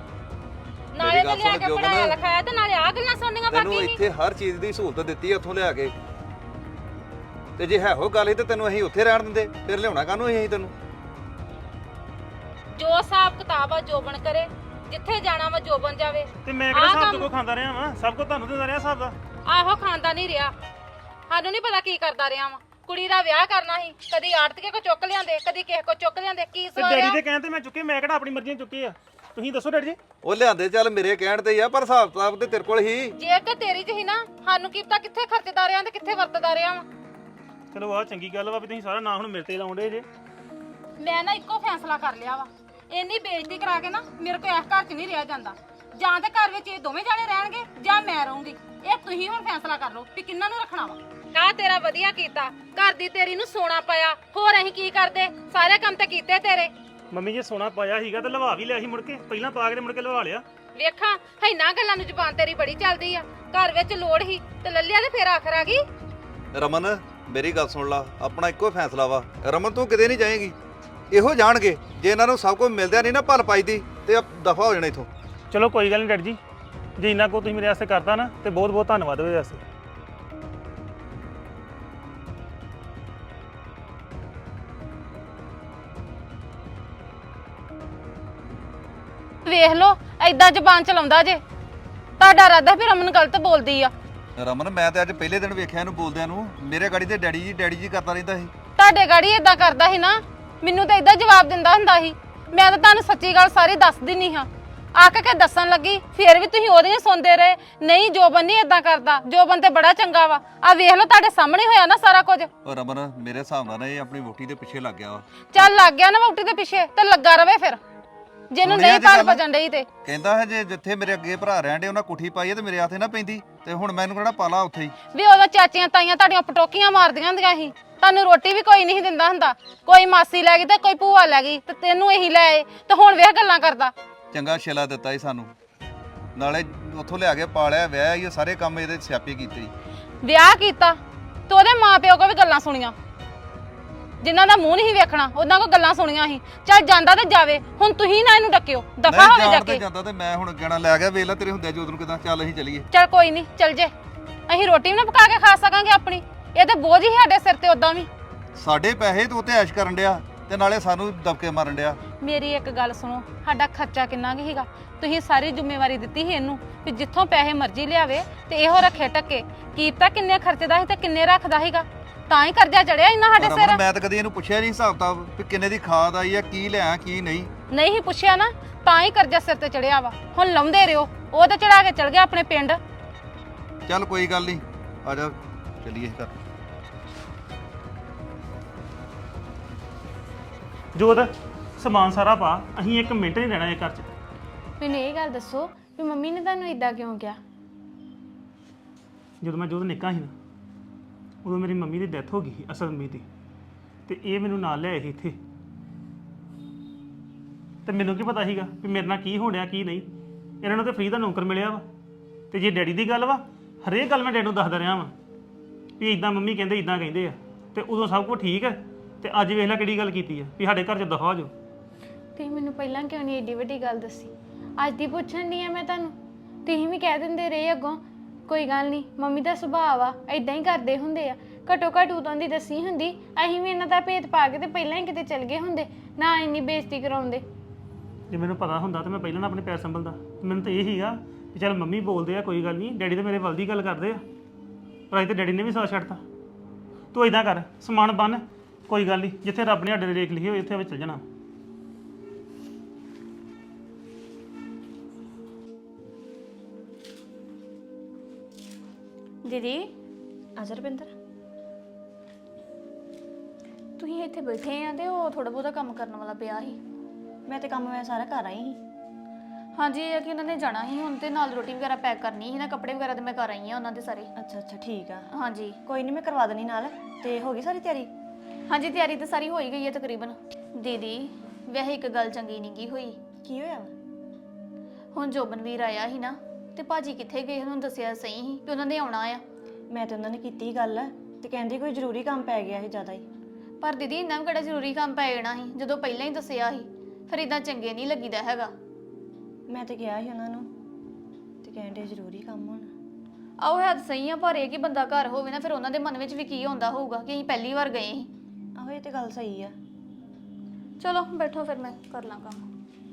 ਨਾਲੇ ਤੇ ਲਿਆ ਕੇ ਪੜਾਇਆ ਲਿਖਾਇਆ ਤੇ ਨਾਲੇ ਆ ਗੱਲਾਂ ਸੁਣਨੀਆਂ ਬਾਕੀ ਤੈਨੂੰ ਨਹੀਂ। ਇੱਥੇ ਹਰ ਚੀਜ਼ ਦੀ ਸਹੂਲਤ ਦਿੱਤੀ ਉੱਥੋਂ ਲਿਆ ਕੇ, ਤੇ ਜੇ ਹੈ ਹੋ ਗੱਲ ਹੀ ਤੇ ਤੈਨੂੰ ਅਸੀਂ ਉੱਥੇ ਰਹਿਣ ਦਿੰਦੇ, ਫਿਰ ਲਿਆਉਣਾ ਕਾਹਨੂੰ ਅਸੀਂ ਤੈਨੂੰ? ਜੋ ਹਿਸਾਬ ਕਿਤਾਬ ਆ ਜੋਬਨ ਕਰੇ, ਜਿੱਥੇ ਜਾਣਾ ਵਾ ਜੋਬਨ ਜਾਵੇ। ਤੇ ਮੈਂ ਕਿਹੜਾ ਹਿਸਾਬ ਤੋਂ ਕੋ ਖਾਂਦਾ ਰਿਹਾ ਵਾਂ, ਸਭ ਕੁਝ ਤੁਹਾਨੂੰ ਦਿੰਦਾ ਰਿਹਾ ਹਿਸਾਬ ਦਾ। ਆਹੋ ਖਾਂਦਾ ਨਹੀਂ ਰਿਹਾ, ਸਾਨੂੰ ਨਹੀਂ ਪਤਾ ਕੀ ਕਰਦਾ ਰਿਹਾ ਵਾ। ਕੁੜੀ ਦਾ ਵਿਆਹ ਕਰਨਾ ਸੀ, ਕਦੀ ਆੜਤੀਏ ਕੋ ਚੁੱਕ ਲਿਆਂਦੇ, ਕਦੀ ਕਿਸੇ ਕੋ ਚੁੱਕ ਲਿਆਂਦੇ। ਕੀ ਤੇ ਸਵਾਰਿਆ? ਡੈਡੀ ਦੇ ਕਹਿਣ ਤੇ ਮੈਂ ਚੁੱਕੇ, ਮੈਂ ਕਿਹੜਾ ਆਪਣੀ ਮਰਜ਼ੀ ਨਾਲ ਚੁੱਕੇ ਆ? ਤੁਸੀਂ ਦੱਸੋ ਡੈਡੀ ਜੀ। ਉਹ ਲਿਆਂਦੇ ਚੱਲ ਮੇਰੇ ਕਹਿਣ ਤੇ ਹੀ ਆ, ਪਰ ਹਿਸਾਬ ਕਿਤਾਬ ਤੇ ਤੇਰੇ ਕੋਲ ਹੀ। ਜੇ ਤੇ ਤੇਰੀ ਚ ਹੀ ਨਾ, ਸਾਨੂੰ ਕੀ ਪਤਾ ਕਿੱਥੇ ਖਰਚਦਾ ਰਿਹਾ ਤੇ ਕਿੱਥੇ ਵਰਤਦਾ ਰਿਹਾ ਵਾ। ਚਲੋ ਆਹ ਚੰਗੀ ਗੱਲ ਵਾ ਵੀ ਤੁਸੀਂ ਸਾਰਾ ਨਾਂ ਹੁਣ ਮੇਰੇ ਤੇ ਲਾਉਂਦੇ ਜੇ। ਮੈਂ ਨਾ ਇੱਕੋ ਫੈਸਲਾ ਕਰ ਲਿਆ ਵਾ, ਇੰਨੀ ਬੇਇੱਜ਼ਤੀ ਕਰਾ ਕੇ ਨਾ ਮੇਰੇ ਕੋਲ ਇਸ ਘਰ 'ਚ ਨਹੀਂ ਰਿਹਾ ਜਾਂਦਾ। ਜਾਂ ਤੇ ਘਰ ਵਿੱਚ ਇਹ ਦੋਵੇਂ ਜਾਣੇ ਰਹਿਣਗੇ ਜਾਂ ਮੈਂ ਰਹੂੰਗੀ। ਇਹ ਤੁਸੀਂ ਹੁਣ ਫੈਸਲਾ ਕਰ ਲਓ ਵੀ ਕਿੰਨਾਂ ਨੂੰ ਰੱਖਣਾ ਵਾ। ਕਾ ਤੇਰਾ ਵਧੀਆ ਕੀਤਾ, ਘਰ ਦੀ ਤੇਰੀ ਨੂੰ ਸੋਨਾ ਪਾਇਆ, ਹੋਰ ਅਸੀਂ ਕੀ ਕਰਦੇ? ਸਾਰੇ ਕੰਮ ਤੇ ਕੀਤੇ ਤੇਰੇ। ਮੰਮੀ ਜੇ ਸੋਨਾ ਪਾਇਆ ਸੀਗਾ ਤਾਂ ਲਵਾ ਵੀ ਲਿਆ ਸੀ ਮੁੜ ਕੇ, ਪਹਿਲਾਂ ਪਾ ਕੇ ਤੇ ਮੁੜ ਕੇ ਲਵਾ ਲਿਆ। ਵੇਖਾਂ ਹੈਨਾ ਗੱਲਾਂ ਨੂੰ ਜ਼ੁਬਾਨ ਤੇਰੀ ਬੜੀ ਚੱਲਦੀ ਆ। ਘਰ ਵਿੱਚ ਲੋੜ ਹੀ ਤੇ ਲੱਲਿਆ ਤੇ ਫੇਰ ਆਖਰ ਆ ਗਈ। ਰਮਨ ਮੇਰੀ ਗੱਲ ਸੁਣ ਲਾ, ਆਪਣਾ ਇੱਕੋ ਫੈਸਲਾ ਵਾ। ਰਮਨ ਤੂੰ ਕਿਤੇ ਨਹੀਂ ਜਾਏਗੀ, ਇਹੋ ਜਾਣਗੇ। ਜੇ ਇਹਨਾਂ ਨੂੰ ਸਭ ਕੁਝ ਮਿਲਦਿਆ ਨਹੀਂ ਨਾ ਭਲ ਪਾਈ ਦੀ, ਤੇ ਦਫਾ ਹੋ ਜਾਣਾ ਇਥੋਂ। ਚਲੋ ਕੋਈ ਗੱਲ ਨਹੀਂ ਡੈਡੀ ਜੀ, ਜੇ ਇੰਨਾ ਕੋ ਤੁਸੀਂ ਮੇਰੇ ਵਾਸਤੇ ਕਰਤਾ ਨਾ ਤੇ ਬਹੁਤ ਬਹੁਤ ਧੰਨਵਾਦ ਉਹਦੇ ਵਾਸਤੇ। ਵੇਖ ਲੋ ਐਦਾਂ ਜ਼ੁਬਾਨ ਚਲਾਉਂਦਾ ਜੇ, ਤੁਹਾਡਾ ਇਰਾਦਾ ਵੀ ਰਮਨ ਗਲਤ ਬੋਲਦੀ ਆ। ਰਮਨ ਮੈਂ ਤੇ ਅੱਜ ਪਹਿਲੇ ਦਿਨ ਵੇਖਿਆ ਇਹਨੂੰ ਬੋਲਦਿਆਂ ਨੂੰ, ਮੇਰੇ ਗਾੜੀ ਤੇ ਡੈਡੀ ਜੀ ਕਰਦਾ ਰਹਿੰਦਾ ਸੀ। ਤੁਹਾਡੇ ਗਾੜੀ ਏਦਾਂ ਕਰਦਾ ਸੀ ਨਾ, ਮੈਨੂੰ ਤਾਂ ਏਦਾਂ ਜਵਾਬ ਦਿੰਦਾ ਹੁੰਦਾ ਸੀ। ਮੈਂ ਤਾਂ ਤੁਹਾਨੂੰ ਸੱਚੀ ਗੱਲ ਸਾਰੀ ਦੱਸ ਦਿੰਨੀ ਹਾਂ। ਆਕ ਕੇ ਦੱਸਣ ਲੱਗੀ ਫੇਰ ਵੀ ਤੁਸੀਂ ਉਹਦੀਆਂ ਸੁਣਦੇ ਰਹੇ। ਨਹੀਂ ਜੋਬਨ ਨਹੀਂ ਏਦਾਂ ਕਰਦਾ, ਜੋਬਨ ਤੇ ਬੜਾ ਚੰਗਾ ਵਾ। ਆ ਵੇਖ ਲਓ ਤੁਹਾਡੇ ਸਾਹਮਣੇ ਹੋਇਆ ਨਾ ਸਾਰਾ ਕੁਝ। ਉਹ ਰਮਨ ਮੇਰੇ ਹਿਸਾਬ ਨਾਲ ਇਹ ਆਪਣੀ ਵੋਟੀ ਦੇ ਪਿੱਛੇ ਲੱਗ ਗਿਆ ਵਾ। ਚੱਲ ਲੱਗ ਗਿਆ ਨਾ ਵਹੁਟੀ ਦੇ ਪਿੱਛੇ ਤੇ ਲੱਗਾ ਰਵੇ ਫਿਰ, ਜਿਹਨੂੰ ਨਹੀਂ ਪਾਲ ਭਜਣ ਡਈ ਤੇ। ਕਹਿੰਦਾ ਹੈ ਜੇ ਜਿੱਥੇ ਮੇਰੇ ਅੱਗੇ ਭਰਾ ਰਹਿਣ ਡੇ ਉਹਨਾਂ ਕੋਠੀ ਪਾਈ ਹੈ ਤੇ ਮੇਰੇ ਹੱਥੇ ਨਾ ਪੈਂਦੀ, ਤੇ ਹੁਣ ਮੈਨੂੰ ਕਿਹੜਾ ਪਾਲਾ ਉੱਥੇ ਹੀ। ਵੀ ਉਦੋਂ ਚਾਚੀਆਂ ਤਾਈਆਂ ਤੁਹਾਡੀਆਂ ਪਟੋਕੀਆਂ ਮਾਰਦੀਆਂ ਹੁੰਦੀਆਂ ਸੀ, ਤੁਹਾਨੂੰ ਰੋਟੀ ਵੀ ਕੋਈ ਨਹੀਂ ਦਿੰਦਾ ਹੁੰਦਾ। ਕੋਈ ਮਾਸੀ ਲੈ ਗਈ ਤੇ ਕੋਈ ਭੂਆ ਲੈ ਗਈ ਤੇ ਤੈਨੂੰ ਇਹੀ ਲੈ ਆਏ, ਤੇ ਹੁਣ ਵੇਖ ਗੱਲਾਂ ਕਰਦਾ। ਚੰਗਾ ਛੇਲਾ ਦਿੱਤਾ ਹੀ ਸਾਨੂੰ, ਨਾਲੇ ਉੱਥੋਂ ਲਿਆ ਕੇ ਪਾਲਿਆ, ਵਿਆਹ ਇਹ ਸਾਰੇ ਕੰਮ ਇਹਦੇ ਸਿਆਪੇ ਕੀਤੇ। ਵਿਆਹ ਕੀਤਾ ਤੇ ਉਹਦੇ ਮਾਪਿਓ ਕੋ ਵੀ ਗੱਲਾਂ ਸੁਣੀਆਂ, ਜਿਨ੍ਹਾਂ ਦਾ ਮੂੰਹ ਨਹੀਂ ਵੇਖਣਾ ਉਹਨਾਂ ਕੋ ਗੱਲਾਂ ਸੁਣੀਆਂ ਸੀ। ਚੱਲ ਜਾਂਦਾ ਤੇ ਜਾਵੇ, ਹੁਣ ਤੁਸੀਂ ਨਾ ਇਹਨੂੰ ਡੱਕਿਓ, ਦਫਾ ਹੋਵੇ ਜਾ ਕੇ। ਜਾਂਦਾ ਤੇ ਮੈਂ ਹੁਣ ਕਹਿਣਾ ਲੈ ਗਿਆ, ਵੇਖ ਲੈ ਤੇਰੇ ਹੁੰਦਿਆ ਜੋਤ ਨੂੰ ਕਿਦਾਂ। ਚੱਲ ਅਸੀਂ ਚੱਲੀਏ। ਚੱਲ ਕੋਈ ਨਹੀਂ, ਚੱਲ ਜੇ ਅਸੀਂ ਰੋਟੀ ਵੀ ਨਾ ਪਕਾ ਕੇ ਖਾ ਸਕਾਂਗੇ ਆਪਣੀ। ਇਹ ਤੇ ਬੋਝ ਹੀ ਸਾਡੇ ਸਿਰ ਤੇ ਉਦਾਂ ਵੀ। ਸਾਡੇ ਪੈਸੇ ਤੂੰ ਉੱਤੇ ਐਸ਼ ਕਰਨ ਡਿਆ ਤੇ ਨਾਲੇ ਸਾਨੂੰ ਦਬਕੇ ਮਾਰਨ ਡਿਆ। ਮੇਰੀ ਇੱਕ ਗੱਲ ਸੁਣੋ, ਸਾਡਾ ਖਰਚਾ ਕਿੰਨਾ ਕੁ ਸੀਗਾ? ਤੁਸੀਂ ਸਾਰੀ ਜ਼ਿੰਮੇਵਾਰੀ ਦਿੱਤੀ ਸੀ ਇਹਨੂੰ ਵੀ ਜਿੱਥੋਂ ਪੈਸੇ ਮਰਜ਼ੀ ਲਿਆਵੇ ਤੇ ਇਹੋ ਰੱਖੇ ਟੱਕੇ। ਕੀ ਪਤਾ ਕਿੰਨੇ ਖਰਚਦਾ ਸੀ ਤੇ ਕਿੰਨੇ ਰੱਖਦਾ ਸੀਗਾ, ਤਾਂ ਹੀ ਕਰਜ਼ਾ ਚੜਿਆ ਇੰਨਾ ਸਾਡੇ ਸਿਰ। ਮੈਂ ਤਾਂ ਕਦੀ ਇਹਨੂੰ ਪੁੱਛਿਆ ਨਹੀਂ ਹਿਸਾਬ ਤਾਂ ਵੀ ਕਿੰਨੇ ਦੀ ਖਾਦ ਆਈ ਆ, ਕੀ ਲਿਆ ਕੀ ਨਹੀਂ। ਨਹੀਂ ਪੁੱਛਿਆ ਨਾ, ਤਾਂ ਹੀ ਕਰਜ਼ਾ ਸਿਰ ਤੇ ਚੜਿਆ ਵਾ। ਹੁਣ ਲਾਉਂਦੇ ਰਿਓ, ਉਹ ਤਾਂ ਚੜਾ ਕੇ ਚਲ ਗਿਆ ਆਪਣੇ ਪਿੰਡ। ਚੱਲ ਕੋਈ ਗੱਲ ਨਹੀਂ, ਆ ਜਾ ਚੱਲੀਏ ਘਰ। ਜੋਤ ਸਮਾਨ ਸਾਰਾ ਪਾ, ਅਸੀਂ 1 ਮਿੰਟ ਨਹੀਂ ਰਹਿਣਾ ਇਹ ਘਰ 'ਚ। ਮੈਨੂੰ ਇਹ ਗੱਲ ਦੱਸੋ ਵੀ ਮੰਮੀ ਨੇ ਤੁਹਾਨੂੰ ਇਦਾਂ ਕਿਉਂ ਕਿਹਾ? ਜਦੋਂ ਮੈਂ ਜੋਤ ਨਿੱਕਾ ਸੀ ਨਾ, ਉਦੋਂ ਮੇਰੀ ਮੰਮੀ ਦੀ ਡੈਥ ਹੋ ਗਈ ਸੀ ਅਸਲ ਮੰਮੀ ਦੀ, ਤੇ ਇਹ ਮੈਨੂੰ ਨਾਲ ਲਿਆਏ ਸੀ ਇੱਥੇ। ਤੇ ਮੈਨੂੰ ਕੀ ਪਤਾ ਸੀਗਾ ਵੀ ਮੇਰੇ ਨਾਲ ਕੀ ਹੋਣ ਡਿਆ ਕੀ ਨਹੀਂ। ਇਹਨਾਂ ਨੂੰ ਤੇ ਫ੍ਰੀ ਦਾ ਨੌਕਰ ਮਿਲਿਆ ਵਾ, ਤੇ ਜੇ ਡੈਡੀ ਦੀ ਗੱਲ ਵਾ, ਹਰੇਕ ਗੱਲ ਮੈਂ ਡੈਡੀ ਨੂੰ ਦੱਸਦਾ ਰਿਹਾ ਵਾਂ ਵੀ ਇਦਾਂ ਮੰਮੀ ਕਹਿੰਦੇ ਇਦਾਂ ਕਹਿੰਦੇ ਆ, ਤੇ ਉਦੋਂ ਸਭ ਕੁਝ ਠੀਕ ਹੈ। ਤੇ ਅੱਜ ਵੇਖ ਲੈ ਕਿਹੜੀ ਗੱਲ ਕੀਤੀ ਆ ਵੀ ਸਾਡੇ ਘਰ 'ਚ ਦਫਾ ਹੋ ਜਾਓ। ਤੁਸੀਂ ਮੈਨੂੰ ਪਹਿਲਾਂ ਕਿਉਂ ਨਹੀਂ ਏਡੀ ਵੱਡੀ ਗੱਲ ਦੱਸੀ? ਅੱਜ ਦੀ ਪੁੱਛਣ ਦੀ ਆ ਮੈਂ ਤੁਹਾਨੂੰ। ਤੁਸੀਂ ਵੀ ਕਹਿ ਦਿੰਦੇ ਰਹੇ ਅੱਗੋਂ ਕੋਈ ਗੱਲ ਨਹੀਂ, ਮੰਮੀ ਦਾ ਸੁਭਾਅ ਆ, ਇਦਾਂ ਹੀ ਕਰਦੇ ਹੁੰਦੇ ਆ। ਘੱਟੋ ਘੱਟ ਉਦੋਂ ਦੀ ਦੱਸੀ ਹੁੰਦੀ, ਅਸੀਂ ਵੀ ਇਹਨਾਂ ਦਾ ਭੇਤ ਪਾ ਕੇ ਤੇ ਪਹਿਲਾਂ ਹੀ ਕਿਤੇ ਚਲ ਗਏ ਹੁੰਦੇ, ਨਾ ਇੰਨੀ ਬੇਇੱਜ਼ਤੀ ਕਰਾਉਂਦੇ। ਜੇ ਮੈਨੂੰ ਪਤਾ ਹੁੰਦਾ ਤਾਂ ਮੈਂ ਪਹਿਲਾਂ ਨਾ ਆਪਣੇ ਪੈਰ ਸੰਭਲਦਾ। ਮੈਨੂੰ ਤਾਂ ਇਹ ਸੀਗਾ ਕਿ ਚੱਲ ਮੰਮੀ ਬੋਲਦੇ ਆ ਕੋਈ ਗੱਲ ਨਹੀਂ, ਡੈਡੀ ਤਾਂ ਮੇਰੇ ਵੱਲ ਦੀ ਗੱਲ ਕਰਦੇ ਆ, ਪਰ ਅੱਜ ਤਾਂ ਡੈਡੀ ਨੇ ਵੀ ਸਾਥ ਛੱਡਤਾ। ਤੂੰ ਇਦਾਂ ਕਰ, ਸਮਾਨ ਬੰਨ, ਕੋਈ ਗੱਲ ਨਹੀਂ, ਜਿੱਥੇ ਰੱਬ ਨੇ ਸਾਡੇ ਦੇ ਰੇਖ ਲਿਖੀ ਹੋਈ ਉੱਥੇ ਵਿੱਚ ਚੱਲ ਜਾਣਾ। ਦੀਦੀ ਅਜਰ ਰੁਪਿੰਦਰ, ਤੁਸੀਂ ਇੱਥੇ ਬੈਠੇ ਆ ਤੇ ਉਹ ਥੋੜਾ ਬਹੁਤਾ ਕੰਮ ਕਰਨ ਵਾਲਾ ਪਿਆ ਸੀ। ਮੈਂ ਤੇ ਕੰਮ ਮੈਂ ਸਾਰਾ ਕਰ ਆਈ ਸੀ। ਹਾਂਜੀ, ਇਹ ਆ ਕਿ ਉਹਨਾਂ ਨੇ ਜਾਣਾ ਸੀ ਹੁਣ, ਤੇ ਨਾਲ ਰੋਟੀ ਵਗੈਰਾ ਪੈਕ ਕਰਨੀ ਸੀ ਨਾ, ਕੱਪੜੇ ਵਗੈਰਾ ਤੇ ਮੈਂ ਕਰ ਆਈ ਆ ਉਹਨਾਂ ਦੇ ਸਾਰੇ। ਅੱਛਾ ਅੱਛਾ ਠੀਕ ਆ, ਹਾਂਜੀ ਕੋਈ ਨਹੀਂ ਮੈਂ ਕਰਵਾ ਦੇਣੀ ਨਾਲ। ਤੇ ਹੋ ਗਈ ਸਾਰੀ ਤਿਆਰੀ? ਹਾਂਜੀ, ਤਿਆਰੀ ਤਾਂ ਸਾਰੀ ਹੋ ਹੀ ਗਈ ਹੈ ਤਕਰੀਬਨ। ਦੀਦੀ ਵੈਸੇ ਇੱਕ ਗੱਲ ਚੰਗੀ ਨਹੀਂ ਗੀ ਹੋਈ। ਕੀ ਹੋਇਆ ਵਾ? ਹੁਣ ਜੋਬਨਵੀਰ ਆਇਆ ਸੀ ਨਾ, ਤੇ ਭਾਜੀ ਕਿੱਥੇ ਗਏ ਉਹਨੂੰ ਦੱਸਿਆ ਸਹੀ ਸੀ ਕਿ ਉਹਨਾਂ ਨੇ ਆਉਣਾ ਆ। ਮੈਂ ਤੇ ਉਹਨਾਂ ਨੇ ਕੀਤੀ ਗੱਲ, ਤੇ ਕਹਿੰਦੀ ਕੋਈ ਜ਼ਰੂਰੀ ਕੰਮ ਪੈ ਗਿਆ ਸੀ ਜ਼ਿਆਦਾ ਹੀ। ਪਰ ਦੀਦੀ ਇੰਨਾ ਵੀ ਕਿਹੜਾ ਜ਼ਰੂਰੀ ਕੰਮ ਪੈ ਜਾਣਾ ਸੀ ਜਦੋਂ ਪਹਿਲਾਂ ਹੀ ਦੱਸਿਆ ਸੀ। ਫਿਰ ਇਦਾਂ ਚੰਗੇ ਨਹੀਂ ਲੱਗੀਦਾ ਹੈਗਾ। ਮੈਂ ਤੇ ਕਿਹਾ ਸੀ ਉਹਨਾਂ ਨੂੰ, ਤੇ ਕਹਿੰਦੇ ਜ਼ਰੂਰੀ ਕੰਮ ਹੋਣਾ। ਆਓ ਹੈ ਤਾਂ ਸਹੀ ਆ, ਪਰ ਇਹ ਕਿ ਬੰਦਾ ਘਰ ਹੋਵੇ ਨਾ, ਫਿਰ ਉਹਨਾਂ ਦੇ ਮਨ ਵਿੱਚ ਵੀ ਕੀ ਹੁੰਦਾ ਹੋਊਗਾ ਕਿ ਅਸੀਂ ਪਹਿਲੀ ਵਾਰ ਗਏ ਸੀ। ਆਹੋ ਇਹ ਤੇ ਗੱਲ ਸਹੀ ਆ। ਚਲੋ ਬੈਠੋ, ਫਿਰ ਮੈਂ ਕਰ ਲਾਂ ਕੰਮ।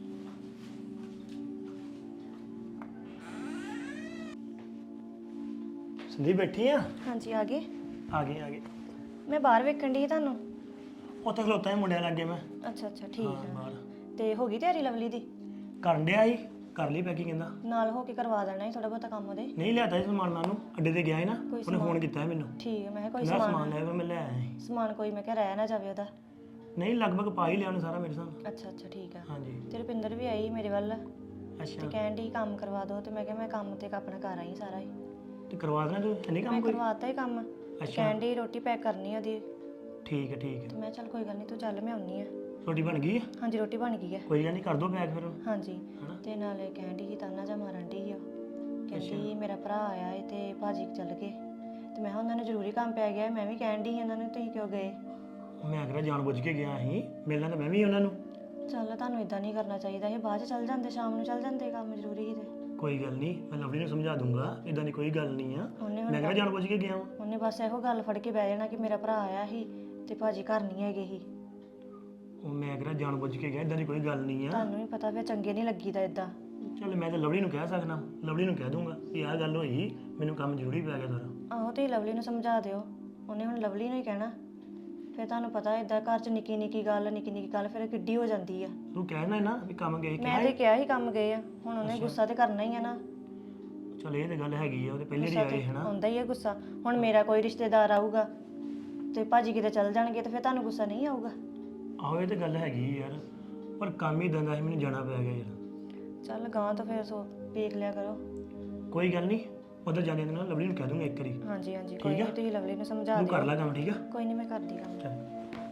ਸੰਦੀਪ ਬੈਠੀ ਆ? ਹਾਂਜੀ ਆ ਗਏ। ਆ ਗਏ। ਮੈਂ ਬਾਹਰ ਵੇਖਣ ਦੀ ਤੁਹਾਨੂੰ। ਉੱਥੇ ਖਲੋਤਾ ਹੈ ਮੁੰਡਿਆਂ ਲੱਗੇ ਮੈਂ। ਅੱਛਾ ਅੱਛਾ ਠੀਕ ਹਾਂ ਆ। ਬਾਹਰ ਤੇ ਹੋ ਗਈ ਤਿਆਰੀ ਲਵਲੀ ਦੀ? ਕਰਨ ਡਿਆ ਸੀ, ਕਰ ਲਈ ਪੈਕਿੰਗ ਕਹਿੰਦਾ। ਨਾਲ ਹੋ ਕੇ ਕਰਵਾ ਦੇਣਾ ਸੀ ਥੋੜਾ ਬਹੁਤਾ ਕੰਮ ਉਹਦੇ। ਨਹੀਂ ਲਿਆਤਾ ਸੀ ਸਮਾਨ ਮੈਨੂੰ, ਅੱਡੇ ਤੇ ਗਿਆ ਸੀ ਨਾ, ਕੋਈ ਉਹਨੇ ਫੋਨ ਕੀਤਾ ਸੀ ਮੈਨੂੰ। ਠੀਕ ਹੈ, ਮੈਂ ਕਿਹਾ ਕੋਈ ਮੈਂ ਸਮਾਨ ਸਮਾਨ ਲੈ ਕੇ ਮੈਂ ਲੈ ਆਇਆ ਸੀ। ਸਮਾਨ ਕੋਈ ਮੈਂ ਕਿਹਾ ਰਹਿ ਨਾ ਜਾਵੇ ਉਹਦਾ। ਨਹੀਂ ਲਗਭਗ ਪਾ ਹੀ ਲਿਆ ਉਹਨੇ ਸਾਰਾ ਮੇਰੇ ਸਾਹਮਣੇ। ਅੱਛਾ ਅੱਛਾ ਠੀਕ ਆ। ਹਾਂਜੀ ਤੇ ਰੁਪਿੰਦਰ ਵੀ ਆਈ ਮੇਰੇ ਵੱਲ, ਤੇ ਅੱਛਾ, ਕਹਿਣ ਡਈ ਕੰਮ ਕਰਵਾ ਦੋ, ਤੇ ਮੈਂ ਕਿਹਾ ਮੈਂ ਕੰਮ ਤੇ ਆਪਣਾ ਕਰ ਆਈ ਸਾਰਾ ਹੀ। ਤੇ ਕਰਵਾ ਦੇਣਾ ਤੂੰ, ਨਹੀਂ ਕੰਮ ਮੈਂ ਕੋਈ? ਕਰਵਾਤਾ ਹੀ ਕੰਮ। ਅੱਛਾ ਕਹਿਣ ਡਈ ਰੋਟੀ ਪੈਕ ਕਰਨੀ ਉਹਦੀ। ਠੀਕ ਹੈ ਠੀਕ ਤੇ ਹੈ। ਮੈਂ ਚੱਲ ਕੋਈ ਗੱਲ ਨਹੀਂ, ਤੂੰ ਚੱਲ ਮੈਂ ਆਉਣੀ ਆ। ਰੋਟੀ ਬਣ ਗਈ ਹੈ? ਹਾਂਜੀ ਰੋਟੀ ਬਣ ਗਈ ਹੈ। ਕੋਈ ਗੱਲ ਨਹੀਂ, ਕਰ ਦੋ ਪੈਕ ਫਿਰ। ਹਾਂਜੀ ਹਨਾ? ਤੇ ਨਾਲੇ ਕਹਿਣ ਡਈ ਸੀ ਤਾਨਾ ਜਾ ਮਾਰਨ ਡਈ ਉਹ, ਕਹਿੰਦੀ ਮੇਰਾ ਭਰਾ ਆਇਆ ਏ ਤੇ ਭਾਜੀ ਚੱਲ ਗਏ। ਤੇ ਮੈਂ ਕਿਹਾ ਉਹਨਾਂ ਨੂੰ ਜ਼ਰੂਰੀ ਕੰਮ ਪੈ ਗਿਆ। ਮੈਂ ਵੀ ਕਹਿਣ ਡਈ ਉਹਨਾਂ ਨੂੰ ਤੁਸੀਂ ਕਿਉਂ ਗਏ? ਮੈਂ ਕਿਹਾ ਜਾਣ ਬੁੱਝ ਕੇ ਗਿਆ ਸੀ, ਮਿਲਣਾ ਤਾਂ ਮੈਂ ਵੀ ਉਹਨਾਂ ਨੂੰ। ਚੱਲ ਤੁਹਾਨੂੰ ਇਦਾਂ ਨਹੀਂ ਕਰਨਾ ਚਾਹੀਦਾ, ਇਹ ਬਾਅਦ ਚ ਚੱਲ ਜਾਂਦੇ, ਸ਼ਾਮ ਨੂੰ ਚੱਲ ਜਾਂਦੇ, ਕੰਮ ਜ਼ਰੂਰੀ ਸੀ ਤੇ। ਕੋਈ ਗੱਲ ਨਹੀਂ, ਮੈਂ ਲਵਲੀ ਨੂੰ ਸਮਝਾ ਦੂੰਗਾ, ਇਦਾਂ ਦੀ ਕੋਈ ਗੱਲ ਨਹੀਂ ਆ। ਉਹਨੇ ਮੈਂ ਕਿਹਾ ਜਾਣ ਬੁੱਝ ਕੇ ਗਿਆ ਵਾਂ। ਉਹਨੇ ਬਸ ਇਹੋ ਗੱਲ ਫੜ ਕੇ ਬਹਿ ਜਾਣਾ ਕਿ ਮੇਰਾ ਭਰਾ ਆਇਆ ਸੀ ਤੇ ਭਾਜੀ ਘਰ ਨਹੀਂ ਹੈਗੇ ਸੀ। ਉਹ ਮੈਂ ਕਿਹਾ ਜਾਣ ਬੁੱਝ ਕੇ ਗਿਆ, ਇਦਾਂ ਦੀ ਕੋਈ ਗੱਲ ਨਹੀਂ ਆ। ਤੁਹਾਨੂੰ ਵੀ ਪਤਾ ਫਿਰ ਚੰਗੇ ਨਹੀਂ ਲੱਗੀਦਾ ਇਦਾਂ। ਚੱਲ ਮੈਂ ਤਾਂ ਲਵਲੀ ਨੂੰ ਕਹਿ ਸਕਦਾ, ਲਵਲੀ ਨੂੰ ਕਹਿ ਦੂੰਗਾ ਵੀ ਆਹ ਗੱਲ ਹੋਈ, ਮੈਨੂੰ ਕੰਮ ਜ਼ਰੂਰੀ ਪੈ ਗਿਆ ਸਾਰਾ। ਆਹੋ ਤੇ ਲਵਲੀ ਨੂੰ ਸਮਝਾ ਦਿਓ, ਉਹਨੇ ਹੁਣ ਲਵਲੀ ਨੂੰ ਹੀ ਕਹਿਣਾ। ਫਿਰ ਤੁਹਾਨੂੰ ਪਤਾ ਇਦਾਂ ਘਰ 'ਚ ਨਿੱਕੀ ਨਿੱਕੀ ਗੱਲ ਫਿਰ ਕਿੱਡੀ ਹੋ ਜਾਂਦੀ ਆ। ਤੂੰ ਕਹਿਣਾ ਨਾ ਵੀ ਕੰਮ ਗਏ ਮੈਂ ਤੇ ਕਿਹਾ ਹੀ ਕੰਮ ਗਏ ਆ, ਹੁਣ ਉਹਨੇ ਗੁੱਸਾ ਤੇ ਕਰਨਾ ਹੀ ਆ ਨਾ। ਚੱਲ ਇਹ ਤੇ ਗੱਲ ਹੈਗੀ ਆ, ਉਹਦੇ ਪਹਿਲੇ ਦੀ ਗੁੱਸਾ ਆਏ ਤੇ ਹਨਾ। ਆਉਂਦਾ ਹੀ ਆ ਗੁੱਸਾ। ਹੁਣ ਮੇਰਾ ਕੋਈ ਰਿਸ਼ਤੇਦਾਰ ਆਊਗਾ ਤੇ ਭਾਜੀ ਕਿਤੇ ਚੱਲ ਜਾਣਗੇ ਤੇ ਫਿਰ ਤੁਹਾਨੂੰ ਗੁੱਸਾ ਨਹੀਂ ਆਊਗਾ? ਆਹੋ ਇਹ ਤੇ ਗੱਲ ਹੈਗੀ ਯਾਰ, ਪਰ ਕੰਮ ਹੀ ਦੰਦਾ ਸੀ, ਮੈਨੂੰ ਜਾਣਾ ਪੈ ਗਿਆ ਯਾਰ। ਚੱਲ ਗਾਂ ਤਾਂ ਫਿਰ ਸੋ ਵੇਖ ਲਿਆ ਕਰੋ। ਕੋਈ ਗੱਲ ਨਹੀਂ, ਉਧਰ ਜਾਣੇ ਦੇ ਨਾਲ ਲਵਲੀ ਨੂੰ ਕਹਿ ਦੂੰਗਾ ਇੱਕ ਵਾਰੀ। ਹਾਂਜੀ ਹਾਂਜੀ ਕੋਈ ਨਹੀਂ, ਤੁਸੀਂ ਲਵਲੀ ਨੂੰ ਸਮਝਾ ਤੂੰ ਦਿਓ। ਕਰ ਲੈ ਕੰਮ, ਠੀਕ ਆ? ਕੋਈ ਨਹੀਂ ਮੈਂ ਕਰਦੀ ਕੰਮ। ਚੱਲ